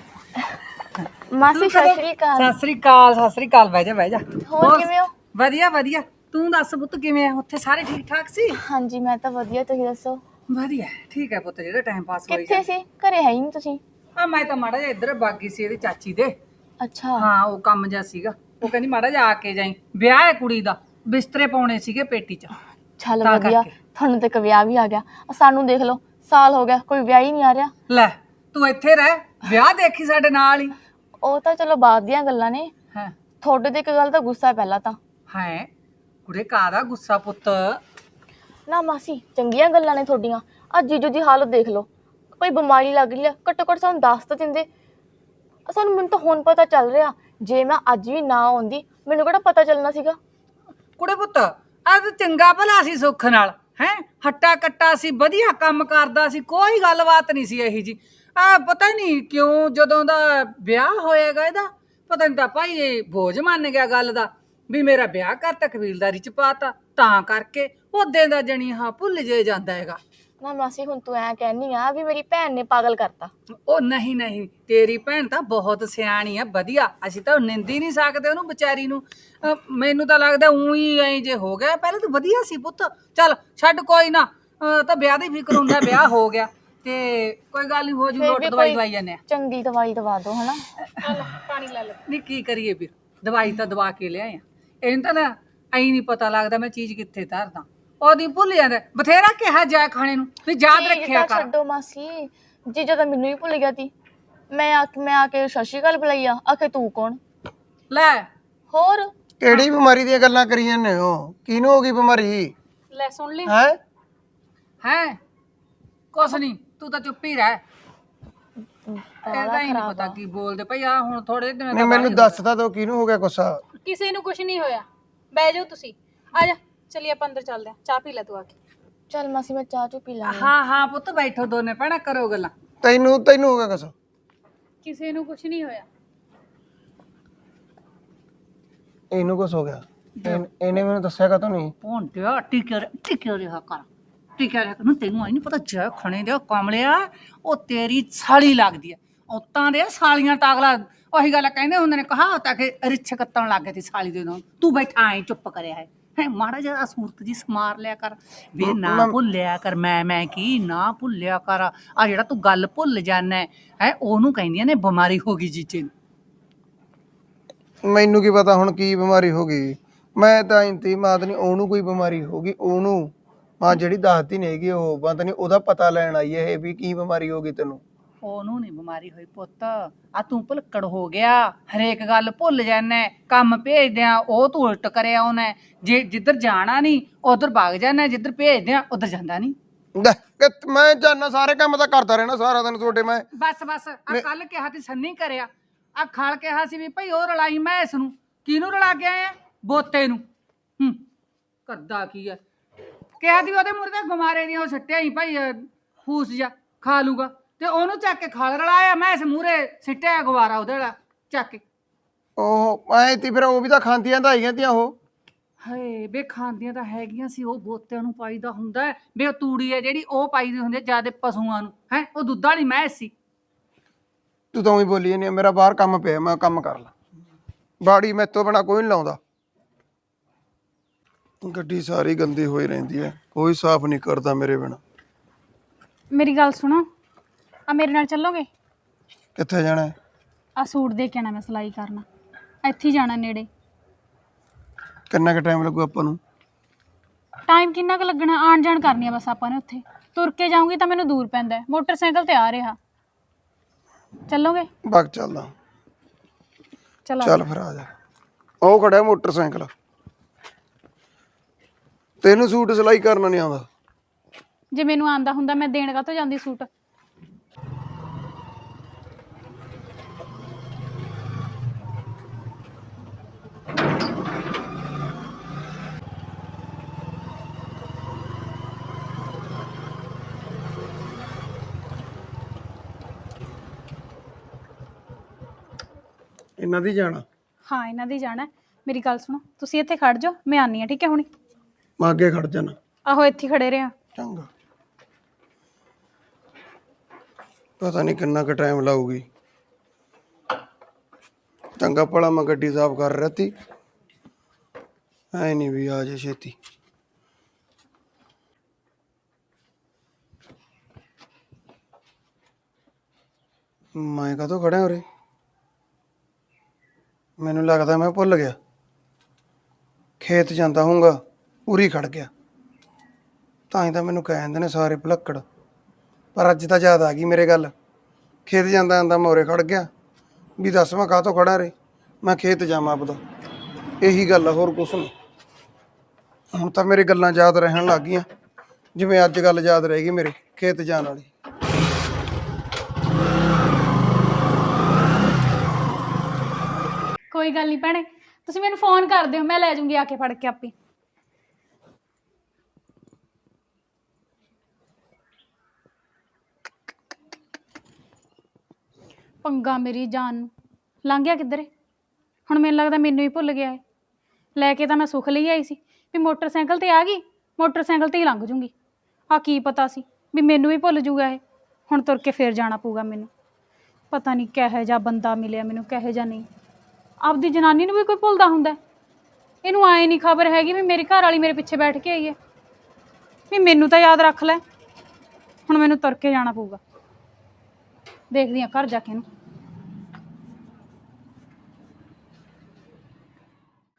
ਮਾਸੀ ਸਤਿ ਸ਼੍ਰੀ ਅਕਾਲ। ਸਤਿ ਸ੍ਰੀ ਅਕਾਲ ਸਤਿ ਸ੍ਰੀ ਅਕਾਲ, ਬਹਿ ਜਾ ਬਹਿ ਜਾ। ਹੋਰ ਕਿਵੇਂ ਹੋ? ਵਧੀਆ ਵਧੀਆ, ਤੂੰ ਦੱਸ ਪੁੱਤ ਕਿਵੇਂ ਆ? ਉੱਥੇ ਸਾਰੇ ਠੀਕ ਠਾਕ ਸੀ? ਹਾਂਜੀ ਮੈਂ ਤਾਂ ਵਧੀਆ, ਤੁਸੀਂ ਦੱਸੋ? ਵਧੀਆ ਠੀਕ ਹੈ ਪੁੱਤ, ਜਿਹੜਾ ਟਾਈਮ ਪਾਸ ਹੋਈ ਕਿੱਥੇ ਸੀ? ਘਰੇ ਹੈ ਹੀ ਨਹੀਂ ਤੁਸੀਂ। ਆ ਮੈਂ ਤਾਂ ਮਾੜਾ ਜਿਹਾ ਇੱਧਰ ਬਾਗੀ ਸੀ ਇਹਦੀ ਚਾਚੀ ਦੇ। ਅੱਛਾ ਹਾਂ ਉਹ ਕੰਮ ਜਿਹਾ ਸੀਗਾ, ਉਹ ਕਹਿੰਦੀ ਮਾੜਾ ਜਿਹਾ ਆ ਕੇ ਜਾਈ, ਵਿਆਹ ਹੈ ਕੁੜੀ ਦਾ, ਬਿਸਤਰੇ ਪਾਉਣੇ ਸੀਗੇ ਪੇਟੀ 'ਚ। ਚੱਲ ਤਾਂ ਵਧੀਆ, ਕਰਕੇ। ਤੁਹਾਨੂੰ ਤੇ ਇੱਕ ਵਿਆਹ ਵੀ ਆ ਗਿਆ। ਆਹ ਸਾਨੂੰ ਦੇਖ ਲਓ, ਸਾਲ ਹੋ ਗਿਆ ਕੋਈ ਵਿਆਹ ਹੀ ਨਹੀਂ ਆ ਰਿਹਾ। ਲੈ ਤੂੰ ਇੱਥੇ ਰਹਿ, ਵਿਆਹ ਦੇਖੀ ਸਾਡੇ ਨਾਲ ਹੀ। ਉਹ ਤਾਂ ਚਲੋ ਬਾਅਦ ਦੀਆਂ ਗੱਲਾਂ ਨੇ, ਹੈ ਤੁਹਾਡੇ ਤੇ ਇੱਕ ਗੱਲ ਤਾਂ ਗੁੱਸਾ ਪਹਿਲਾਂ ਤਾਂ। ਹੈ ਕੁੜੇ ਕਾਹਦਾ ਗੁੱਸਾ ਪੁੱਤ? ਨਾ ਮਾਸੀ ਚੰਗੀਆਂ ਗੱਲਾਂ ਨੇ ਤੁਹਾਡੀਆਂ, ਅੱਜ ਜੀਜੂ ਦੀ ਹਾਲਤ ਦੇਖ ਲਓ, ਕੋਈ ਬਿਮਾਰੀ ਲੱਗ ਰਹੀ ਆ, ਘੱਟੋ ਘੱਟ ਸਾਨੂੰ ਦੱਸ ਤਾਂ ਦਿੰਦੇ। ਸਾਨੂੰ ਮੈਨੂੰ ਤਾਂ ਹੁਣ ਪਤਾ ਚੱਲ ਰਿਹਾ, ਜੇ ਮੈਂ ਅੱਜ ਵੀ ਨਾ ਆਉਂਦੀ ਮੈਨੂੰ ਕਿਹੜਾ ਪਤਾ ਚੱਲਣਾ ਸੀਗਾ। ਕੁੜੇ ਪੁੱਤ ਆ ਤਾਂ ਚੰਗਾ ਭਲਾ ਸੀ ਸੁੱਖ ਨਾਲ, ਹੈ ਹੱਟਾ ਕੱਟਾ ਸੀ, ਵਧੀਆ ਕੰਮ ਕਰਦਾ ਸੀ, ਕੋਈ ਗੱਲਬਾਤ ਨਹੀਂ ਸੀ ਇਹੀ ਜੀ। ਆ ਪਤਾ ਨਹੀਂ ਕਿਉਂ ਜਦੋਂ ਦਾ ਵਿਆਹ ਹੋਏਗਾ ਇਹਦਾ, ਪਤਾ ਨਹੀਂ ਤਾਂ ਭਾਈ ਇਹ ਬੋਝ ਮੰਨ ਗਿਆ ਗੱਲ ਦਾ ਵੀ ਮੇਰਾ ਵਿਆਹ ਕਰਤਾ, ਕਬੀਲਦਾਰੀ ਚ ਪਾਤਾ, ਤਾਂ ਕਰਕੇ ਉਹਦੇ ਦਾ ਜਣੀ ਹਾਂ ਭੁੱਲ ਜੇ ਜਾਂਦਾ ਹੈਗਾ। ਨਾ ਮਾਸੀ ਹੁਣ ਤੂੰ ਐ ਕਹਿਨੀ ਆ ਵੀ ਮੇਰੀ ਭੈਣ ਨੇ ਪਾਗਲ ਕਰਤਾ। ਉਹ ਨਹੀਂ ਨਹੀਂ, ਤੇਰੀ ਭੈਣ ਤਾਂ ਬਹੁਤ ਸਿਆਣੀ ਆ, ਵਧੀਆ, ਅਸੀਂ ਤਾਂ ਨਿੰਦੀ ਨਹੀਂ ਸਕਦੇ ਉਹਨੂੰ ਵਿਚਾਰੀ ਨੂੰ। ਅਹ ਮੈਨੂੰ ਤਾਂ ਲੱਗਦਾ ਉਹੀ ਐ ਜੇ ਹੋ ਗਿਆ, ਪਹਿਲਾਂ ਤਾਂ ਵਧੀਆ ਸੀ ਪੁੱਤ। ਚੱਲ ਛੱਡ ਕੋਈ ਨਾ, ਅਹ ਤਾਂ ਵਿਆਹ ਦੀ ਫਿਕਰ ਹੁੰਦਾ, ਵਿਆਹ ਹੋ ਗਿਆ ਤੇ ਕੋਈ ਗੱਲ ਨਹੀਂ, ਹੋ ਜੂ ਫਿਰ ਲੋਟ, ਵੀ ਦਵਾਈ ਕੋਈ ਦਵਾਈ ਜਾਂਦੇ ਆ। ਚੰਗੀ ਦਵਾਈ ਦਵਾ ਦਿਓ ਹਨਾ। ਪਾਣੀ ਲੈ ਲੈ। ਨਹੀਂ ਕੀ ਕਰੀਏ ਵੀਰ, ਦਵਾਈ ਤਾਂ ਦਵਾ ਕੇ ਲਿਆਏ ਆ, ਇਹਨੂੰ ਤਾਂ ਨਾ ਐਂ ਨਹੀਂ ਪਤਾ ਲੱਗਦਾ ਮੈਂ ਚੀਜ਼ ਕਿੱਥੇ ਧਰਦਾ, ਉਹਦੀ ਭੁੱਲ ਜਾਂਦਾ। ਬਥੇਰਾ ਕਿਹਾ ਜਾਏ ਖਾਣੇ ਨੂੰ ਵੀ ਯਾਦ ਚੀਜ਼ ਰੱਖਿਆ ਤਾਂ ਕਰ। ਛੱਡੋ ਮਾਸੀ, ਜੀਜਾ ਤਾਂ ਮੈਨੂੰ ਹੀ ਭੁੱਲ ਗਿਆ ਤੀ। ਮੈਂ ਆ ਮੈਂ ਆ ਕੇ ਸਤਿ ਸ਼੍ਰੀ ਅਕਾਲ ਬੁਲਾਈ ਆ, ਆਖੇ ਤੂੰ ਕੌਣ? ਲੈ ਹੋਰ ਕਿਹੜੀ ਬਿਮਾਰੀ ਦੀਆਂ ਗੱਲਾਂ ਕਰੀ ਜਾਂਦੇ ਹੋ? ਕਿਹਨੂੰ ਹੋ ਗਈ ਬਿਮਾਰੀ? ਲੈ ਸੁਣ ਲਈ। ਹੈ ਹੈ ਕੁਛ ਨਹੀਂ, ਤੂੰ ਤਾਂ ਚੁੱਪ ਹੀ ਰਹਿ। ਇਹਦਾ ਹੀ ਨਹੀਂ ਪਤਾ ਕੀ ਬੋਲਦੇ ਭਈ। ਆ ਹੁਣ ਥੋੜੇ ਦਿਨ ਨਹੀਂ ਮੈਨੂੰ ਦੱਸ ਤਾਂ ਦੋ ਕਿਹਨੂੰ ਹੋ ਗਿਆ ਗੁੱਸਾ? ਕਿਸੇ ਨੂੰ ਕੁਝ ਨਹੀਂ ਹੋਇਆ, ਬਹਿ ਜਾਓ ਤੁਸੀਂ। ਆ ਜਾ ਚਲਿਏ ਆਪਾਂ ਅੰਦਰ ਚੱਲਦੇ ਆ, ਚਾਹ ਪੀ ਲੈ ਤੂੰ ਆ ਕੇ। ਚੱਲ ਮਾਸੀ ਮੈਂ ਚਾਹ ਚੁ ਪੀ ਲਾਂਗੀ। ਹਾਂ ਹਾਂ ਪੁੱਤ ਬੈਠੋ ਦੋਨੇ ਭੈਣਾਂ, ਕਰੋ ਗੱਲਾਂ। ਤੈਨੂੰ ਤੈਨੂੰ ਹੋ ਗਿਆ ਗੁੱਸਾ? ਕਿਸੇ ਨੂੰ ਕੁਝ ਨਹੀਂ ਹੋਇਆ। ਇਹਨੂੰ ਕੁਛ ਹੋ ਗਿਆ? ਇਹਨ- ਇਹਨੇ ਮੈਨੂੰ ਦੱਸਿਆ ਕਾ ਨਹੀਂ? ਭੋਂਟਿਆ ਟਿਕਿਆ ਟਿਕਿਆ ਰਿਹਾ ਕਰ, ਟਿਕਿਆ ਰਿਹਾ ਕਰ। ਨੂੰ ਤੈਨੂੰ ਆਈ ਨਹੀਂ ਪਤਾ, ਜੈ ਖਣੇ ਦੇ ਕਮਲਿਆ, ਉਹ ਤੇਰੀ ਸਾਲੀ ਲੱਗਦੀ ਆ। ਔਤਾਂ ਦੇ ਸਾਲੀਆਂ ਟਾਗਲਾ, ਉਹੀ ਗੱਲ ਕਹਿੰਦੇ ਹੁੰਦੇ ਨੇ, ਕਹਾਵਤ ਆ ਕਿ ਰਿੱਛ ਕੱਤਣ ਲੱਗ ਗਏ ਤੀ ਸਾਲੀ ਦੇ ਨਾਲ। ਤੂੰ ਬੈਠਾ ਐ ਚੁੱਪ ਕਰਿਆ ਹੈ ਹੈ ਮਾੜਾ ਜਿਹਾ ਸੂਰਤ ਜੀ ਸਮਾਰ ਲਿਆ ਕਰ ਵੇ, ਨਾ ਭੁੱਲਿਆ ਕਰ ਮੈਂ ਮੈਂ ਕੀ ਨਾ ਭੁੱਲਿਆ ਕਰ। ਆ ਜਿਹੜਾ ਤੂੰ ਗੱਲ ਭੁੱਲ ਜਾਣਾ ਹੈ, ਉਹਨੂੰ ਕਹਿੰਦੀਆਂ ਨੇ ਬਿਮਾਰੀ ਹੋ ਗਈ ਜੀਜੇ ਨੂੰ। ਮੈਨੂੰ ਕੀ ਪਤਾ ਹੁਣ ਕੀ ਬਿਮਾਰੀ ਹੋ ਗਈ? ਮੈਂ ਤਾਂ ਇੰਤੀ ਮਾਤ ਨਹੀਂ, ਉਹਨੂੰ ਕੋਈ ਬਿਮਾਰੀ ਹੋ ਗਈ ਉਹਨੂੰ। ਹਾਂ ਜਿਹੜੀ ਦੱਸਦੀ ਨਹੀਂ ਹੈਗੀ ਉਹ ਬੰਦ ਨਹੀਂ, ਉਹਦਾ ਪਤਾ ਲੈਣ ਆਈ ਇਹ ਵੀ ਕੀ ਬਿਮਾਰੀ ਹੋ ਗਈ ਤੈਨੂੰ। ਉਹਨੂੰ ਨਹੀਂ ਬਿਮਾਰੀ ਹੋਈ ਪੁੱਤ, ਆ ਤੂੰ ਭੁਲੱਕੜ ਹੋ ਗਿਆ, ਹਰੇਕ ਗੱਲ ਭੁੱਲ ਜਾਣਾ। ਕੰਮ ਭੇਜਦੇ ਆ ਉਹ ਤੂੰ ਉਲਟ ਕਰਿਆ ਉਹਨੇ, ਜੇ ਜਿੱਧਰ ਜਾਣਾ ਨਹੀਂ ਉਧਰ ਭੱਗ ਜਾਣਾ, ਜਿੱਧਰ ਭੇਜਦੇ ਆ ਉਧਰ ਜਾਂਦਾ ਨਹੀਂ। ਲੈ, ਕਿ ਮੈਂ ਜਾਨਾ ਸਾਰੇ ਕੰਮ ਤਾਂ ਕਰਦਾ ਰਹਿਣਾ ਸਾਰਾ ਦਿਨ ਤੁਹਾਡੇ। ਮੈਂ ਬਸ ਬਸ ਆ ਕੱਲ ਕਿਹਾ ਤੀ ਸੰਨੀ ਕਰਿਆ, ਆ ਖਲ ਕਿਹਾ ਸੀ ਵੀ ਭਾਈ ਉਹ ਰਲਾਈ ਮੈਂ ਇਸ ਨੂੰ। ਕਿਹਨੂੰ ਰਲਾ ਕੇ ਆਇਆ? ਬੋਤੇ ਨੂੰ। ਹੂੰ ਕਰਦਾ ਕੀ ਆ? ਕਿਹਾ ਤੀ ਉਹਦੇ ਮੂਹਰੇ ਤਾਂ ਗਮਾਰੇ ਦੀਆਂ ਉਹ ਸਿੱਟਿਆ ਹੀ ਭਾਈ, ਫੂਸ ਜਾ ਖਾ ਲੂਗਾ, ਤੇ ਉਹਨੂੰ ਚੱਕ ਕੇ ਖਲ ਰਲਾਇਆ ਮੈਂ ਇਸ ਮੂਹਰੇ ਸਿੱਟਿਆ ਗਵਾਰਾ ਉਹਦੇ ਵਾਲਾ ਚੱਕ ਕੇ। ਉਹ ਐ ਤੀ ਫਿਰ ਉਹ ਵੀ ਤਾਂ ਖਾਂਦੀਆਂ ਤਾਂ ਆਈਆਂ ਤੀਆਂ ਉਹ। ਹਾਏ ਬੇ ਖਾਂਦੀਆਂ ਤਾਂ ਹੈਗੀਆਂ ਸੀ, ਉਹ ਬੋਤਿਆਂ ਨੂੰ ਪਾਈਦਾ ਹੁੰਦਾ ਹੈ ਬੇ। ਉਹ ਤੂੜੀ ਹੈ ਜਿਹੜੀ ਉਹ ਪਾਈਦੀ ਹੁੰਦੀ ਹੈ ਜਿਆਦੇ ਪਸ਼ੂਆਂ ਨੂੰ, ਹੈ ਉਹ ਦੁੱਧ ਵਾਲੀ ਮੈਂ ਸੀ। ਤੂੰ ਤਾਂ ਉਹੀ ਬੋਲੀ ਨਹੀਂ, ਮੇਰਾ ਬਾਹਰ ਕੰਮ ਪਿਆ ਮੈਂ ਕੰਮ ਕਰ ਲਾ। ਬਾੜੀ ਮੈਥੋਂ ਬਣਾ ਕੋਈ ਨਹੀਂ ਲਾਉਂਦਾ। ਗੱਡੀ ਸਾਰੀ ਗੰਦੀ ਹੋਈ ਰਹਿੰਦੀ ਹੈ, ਕੋਈ ਸਾਫ਼ ਨਹੀਂ ਕਰਦਾ ਮੇਰੇ ਬਿਨਾ। ਮੇਰੀ ਗੱਲ ਸੁਣੋ, ਆ ਮੇਰੇ ਨਾਲ ਚੱਲੋਗੇ? ਕਿੱਥੇ ਜਾਣਾ ਹੈ? ਆ ਸੂਟ ਦੇ ਕੇ ਆਣਾ, ਮੈਂ ਸਿਲਾਈ ਕਰਨਾ, ਇੱਥੇ ਹੀ ਜਾਣਾ ਨੇੜੇ। ਕਿੰਨਾ ਕੁ ਟਾਈਮ ਲੱਗੂ ਆਪਾਂ ਨੂੰ? ਟਾਈਮ ਕਿੰਨਾ ਕੁ ਲੱਗਣਾ, ਆਣ ਜਾਣ ਕਰਨੀ ਆ ਬਸ ਆਪਾਂ ਨੇ। ਉੱਥੇ ਤੁਰ ਕੇ ਜਾਊਂਗੀ ਤਾਂ ਮੈਨੂੰ ਦੂਰ ਪੈਂਦਾ ਹੈ, ਮੋਟਰਸਾਈਕਲ ਤੇ ਆ ਰਿਹਾ। ਚੱਲੋਗੇ? ਬਗ ਚੱਲਦਾ। ਚਲੋ ਚੱਲ ਫਿਰ ਆ ਜਾ, ਉਹ ਖੜਾ ਮੋਟਰਸਾਈਕਲ। ਤੈਨੂੰ ਸੂਟ ਸਿਲਾਈ ਕਰਨਾ ਨਹੀਂ ਆਉਂਦਾ? ਜੇ ਮੈਨੂੰ ਆਂਦਾ ਹੁੰਦਾ ਮੈਂ ਦੇਣ ਕਾਹਤੋਂ ਜਾਂਦੀ ਸੂਟ। ਇਹਨਾਂ ਦੀ ਜਾਣਾ? ਹਾਂ ਇਹਨਾਂ ਦੀ ਜਾਣਾ ਹੈ। ਮੇਰੀ ਗੱਲ ਸੁਣੋ, ਤੁਸੀਂ ਇੱਥੇ ਖੜ ਜਾਓ, ਮੈਂ ਆਨੀ ਆ, ਠੀਕ ਹੈ ਹੁਣੀ। ਮੈਂ ਅੱਗੇ ਖੜ ਜਾਣਾ। ਆਹੋ ਇੱਥੇ ਹੀ ਖੜੇ ਰਿਹਾ। ਚੰਗਾ। ਪਤਾ ਨਹੀਂ ਕਿੰਨਾ ਕੁ ਟਾਈਮ ਲਾਊਗੀ। ਚੰਗਾ ਭਲਾ ਮੈਂ ਗੱਡੀ ਸਾਫ਼ ਕਰ ਰਹੀ ਤੀ, ਐ ਨਹੀਂ ਵੀ ਆ ਜੇ ਛੇਤੀ। ਮੈਂ ਕਦੋਂ ਖੜਿਆ ਉਰੇ? ਮੈਨੂੰ ਲੱਗਦਾ ਮੈਂ ਭੁੱਲ ਗਿਆ। ਖੇਤ ਜਾਂਦਾ ਹੋਊਗਾ, ਉਰੀ ਖੜ ਗਿਆ। ਤਾਂ ਹੀ ਤਾਂ ਮੈਨੂੰ ਕਹਿ ਦਿੰਦੇ ਨੇ ਸਾਰੇ ਭੁਲੱਕੜ। ਪਰ ਅੱਜ ਤਾਂ ਯਾਦ ਆ ਗਈ ਮੇਰੇ ਗੱਲ। ਖੇਤ ਜਾਂਦਾ ਜਾਂਦਾ ਮੈਂ ਉਰੇ ਖੜ ਗਿਆ ਵੀ ਦੱਸ ਮੈਂ ਕਾਹਤੋਂ ਖੜਾ ਰੇ। ਮੈਂ ਖੇਤ ਜਾਵਾਂ ਆਪਦਾ, ਇਹੀ ਗੱਲ ਆ, ਹੋਰ ਕੁਛ ਨਹੀਂ। ਹੁਣ ਤਾਂ ਮੇਰੇ ਗੱਲਾਂ ਯਾਦ ਰਹਿਣ ਲੱਗ ਗਈਆਂ, ਜਿਵੇਂ ਅੱਜ ਗੱਲ ਯਾਦ ਰਹਿ ਗਈ ਮੇਰੇ ਖੇਤ ਜਾਣ ਵਾਲੀ। ਕੋਈ ਗੱਲ ਨਹੀਂ ਭੈਣੇ, ਤੁਸੀਂ ਮੈਨੂੰ ਫੋਨ ਕਰ ਦਿਓ, ਮੈਂ ਲੈ ਜਾਊਂਗੀ ਆ ਕੇ ਫੜ ਕੇ ਆਪੇ। ਪੰਗਾ ਮੇਰੀ ਜਾਨ ਨੂੰ ਲੰਘ ਗਿਆ ਕਿੱਧਰੇ। ਹੁਣ ਮੈਨੂੰ ਲੱਗਦਾ ਮੈਨੂੰ ਹੀ ਭੁੱਲ ਗਿਆ ਹੈ। ਲੈ ਕੇ ਤਾਂ ਮੈਂ ਸੁੱਖ ਲਈ ਆਈ ਸੀ ਵੀ ਮੋਟਰਸਾਈਕਲ ਤੇ ਆ ਗਈ, ਮੋਟਰਸਾਈਕਲ ਤੇ ਹੀ ਲੰਘ ਜੂੰਗੀ। ਆ ਕੀ ਪਤਾ ਸੀ ਵੀ ਮੈਨੂੰ ਵੀ ਭੁੱਲ ਜੂਗਾ ਇਹ। ਹੁਣ ਤੁਰ ਕੇ ਫੇਰ ਜਾਣਾ ਪਊਗਾ ਮੈਨੂੰ। ਪਤਾ ਨਹੀਂ ਕਿਹੋ ਜਿਹਾ ਬੰਦਾ ਮਿਲਿਆ ਮੈਨੂੰ, ਕਿਹੋ ਜਿਹਾ ਨਹੀਂ। ਆਪਦੀ ਜਨਾਨੀ ਨੂੰ ਵੀ ਕੋਈ ਭੁੱਲਦਾ ਹੁੰਦਾ? ਇਹਨੂੰ ਆਏ ਨਹੀਂ ਖਬਰ ਹੈਗੀ ਵੀ ਮੇਰੀ ਘਰ ਵਾਲੀ ਮੇਰੇ ਪਿੱਛੇ ਬੈਠ ਕੇ ਆਈ ਹੈ। ਵੀ ਮੈਨੂੰ ਤਾਂ ਯਾਦ ਰੱਖ ਲੈ। ਹੁਣ ਮੈਨੂੰ ਤੁਰ ਕੇ ਜਾਣਾ ਪਊਗਾ, ਦੇਖਦੀ ਹਾਂ ਘਰ ਜਾ ਕੇ ਇਹਨੂੰ।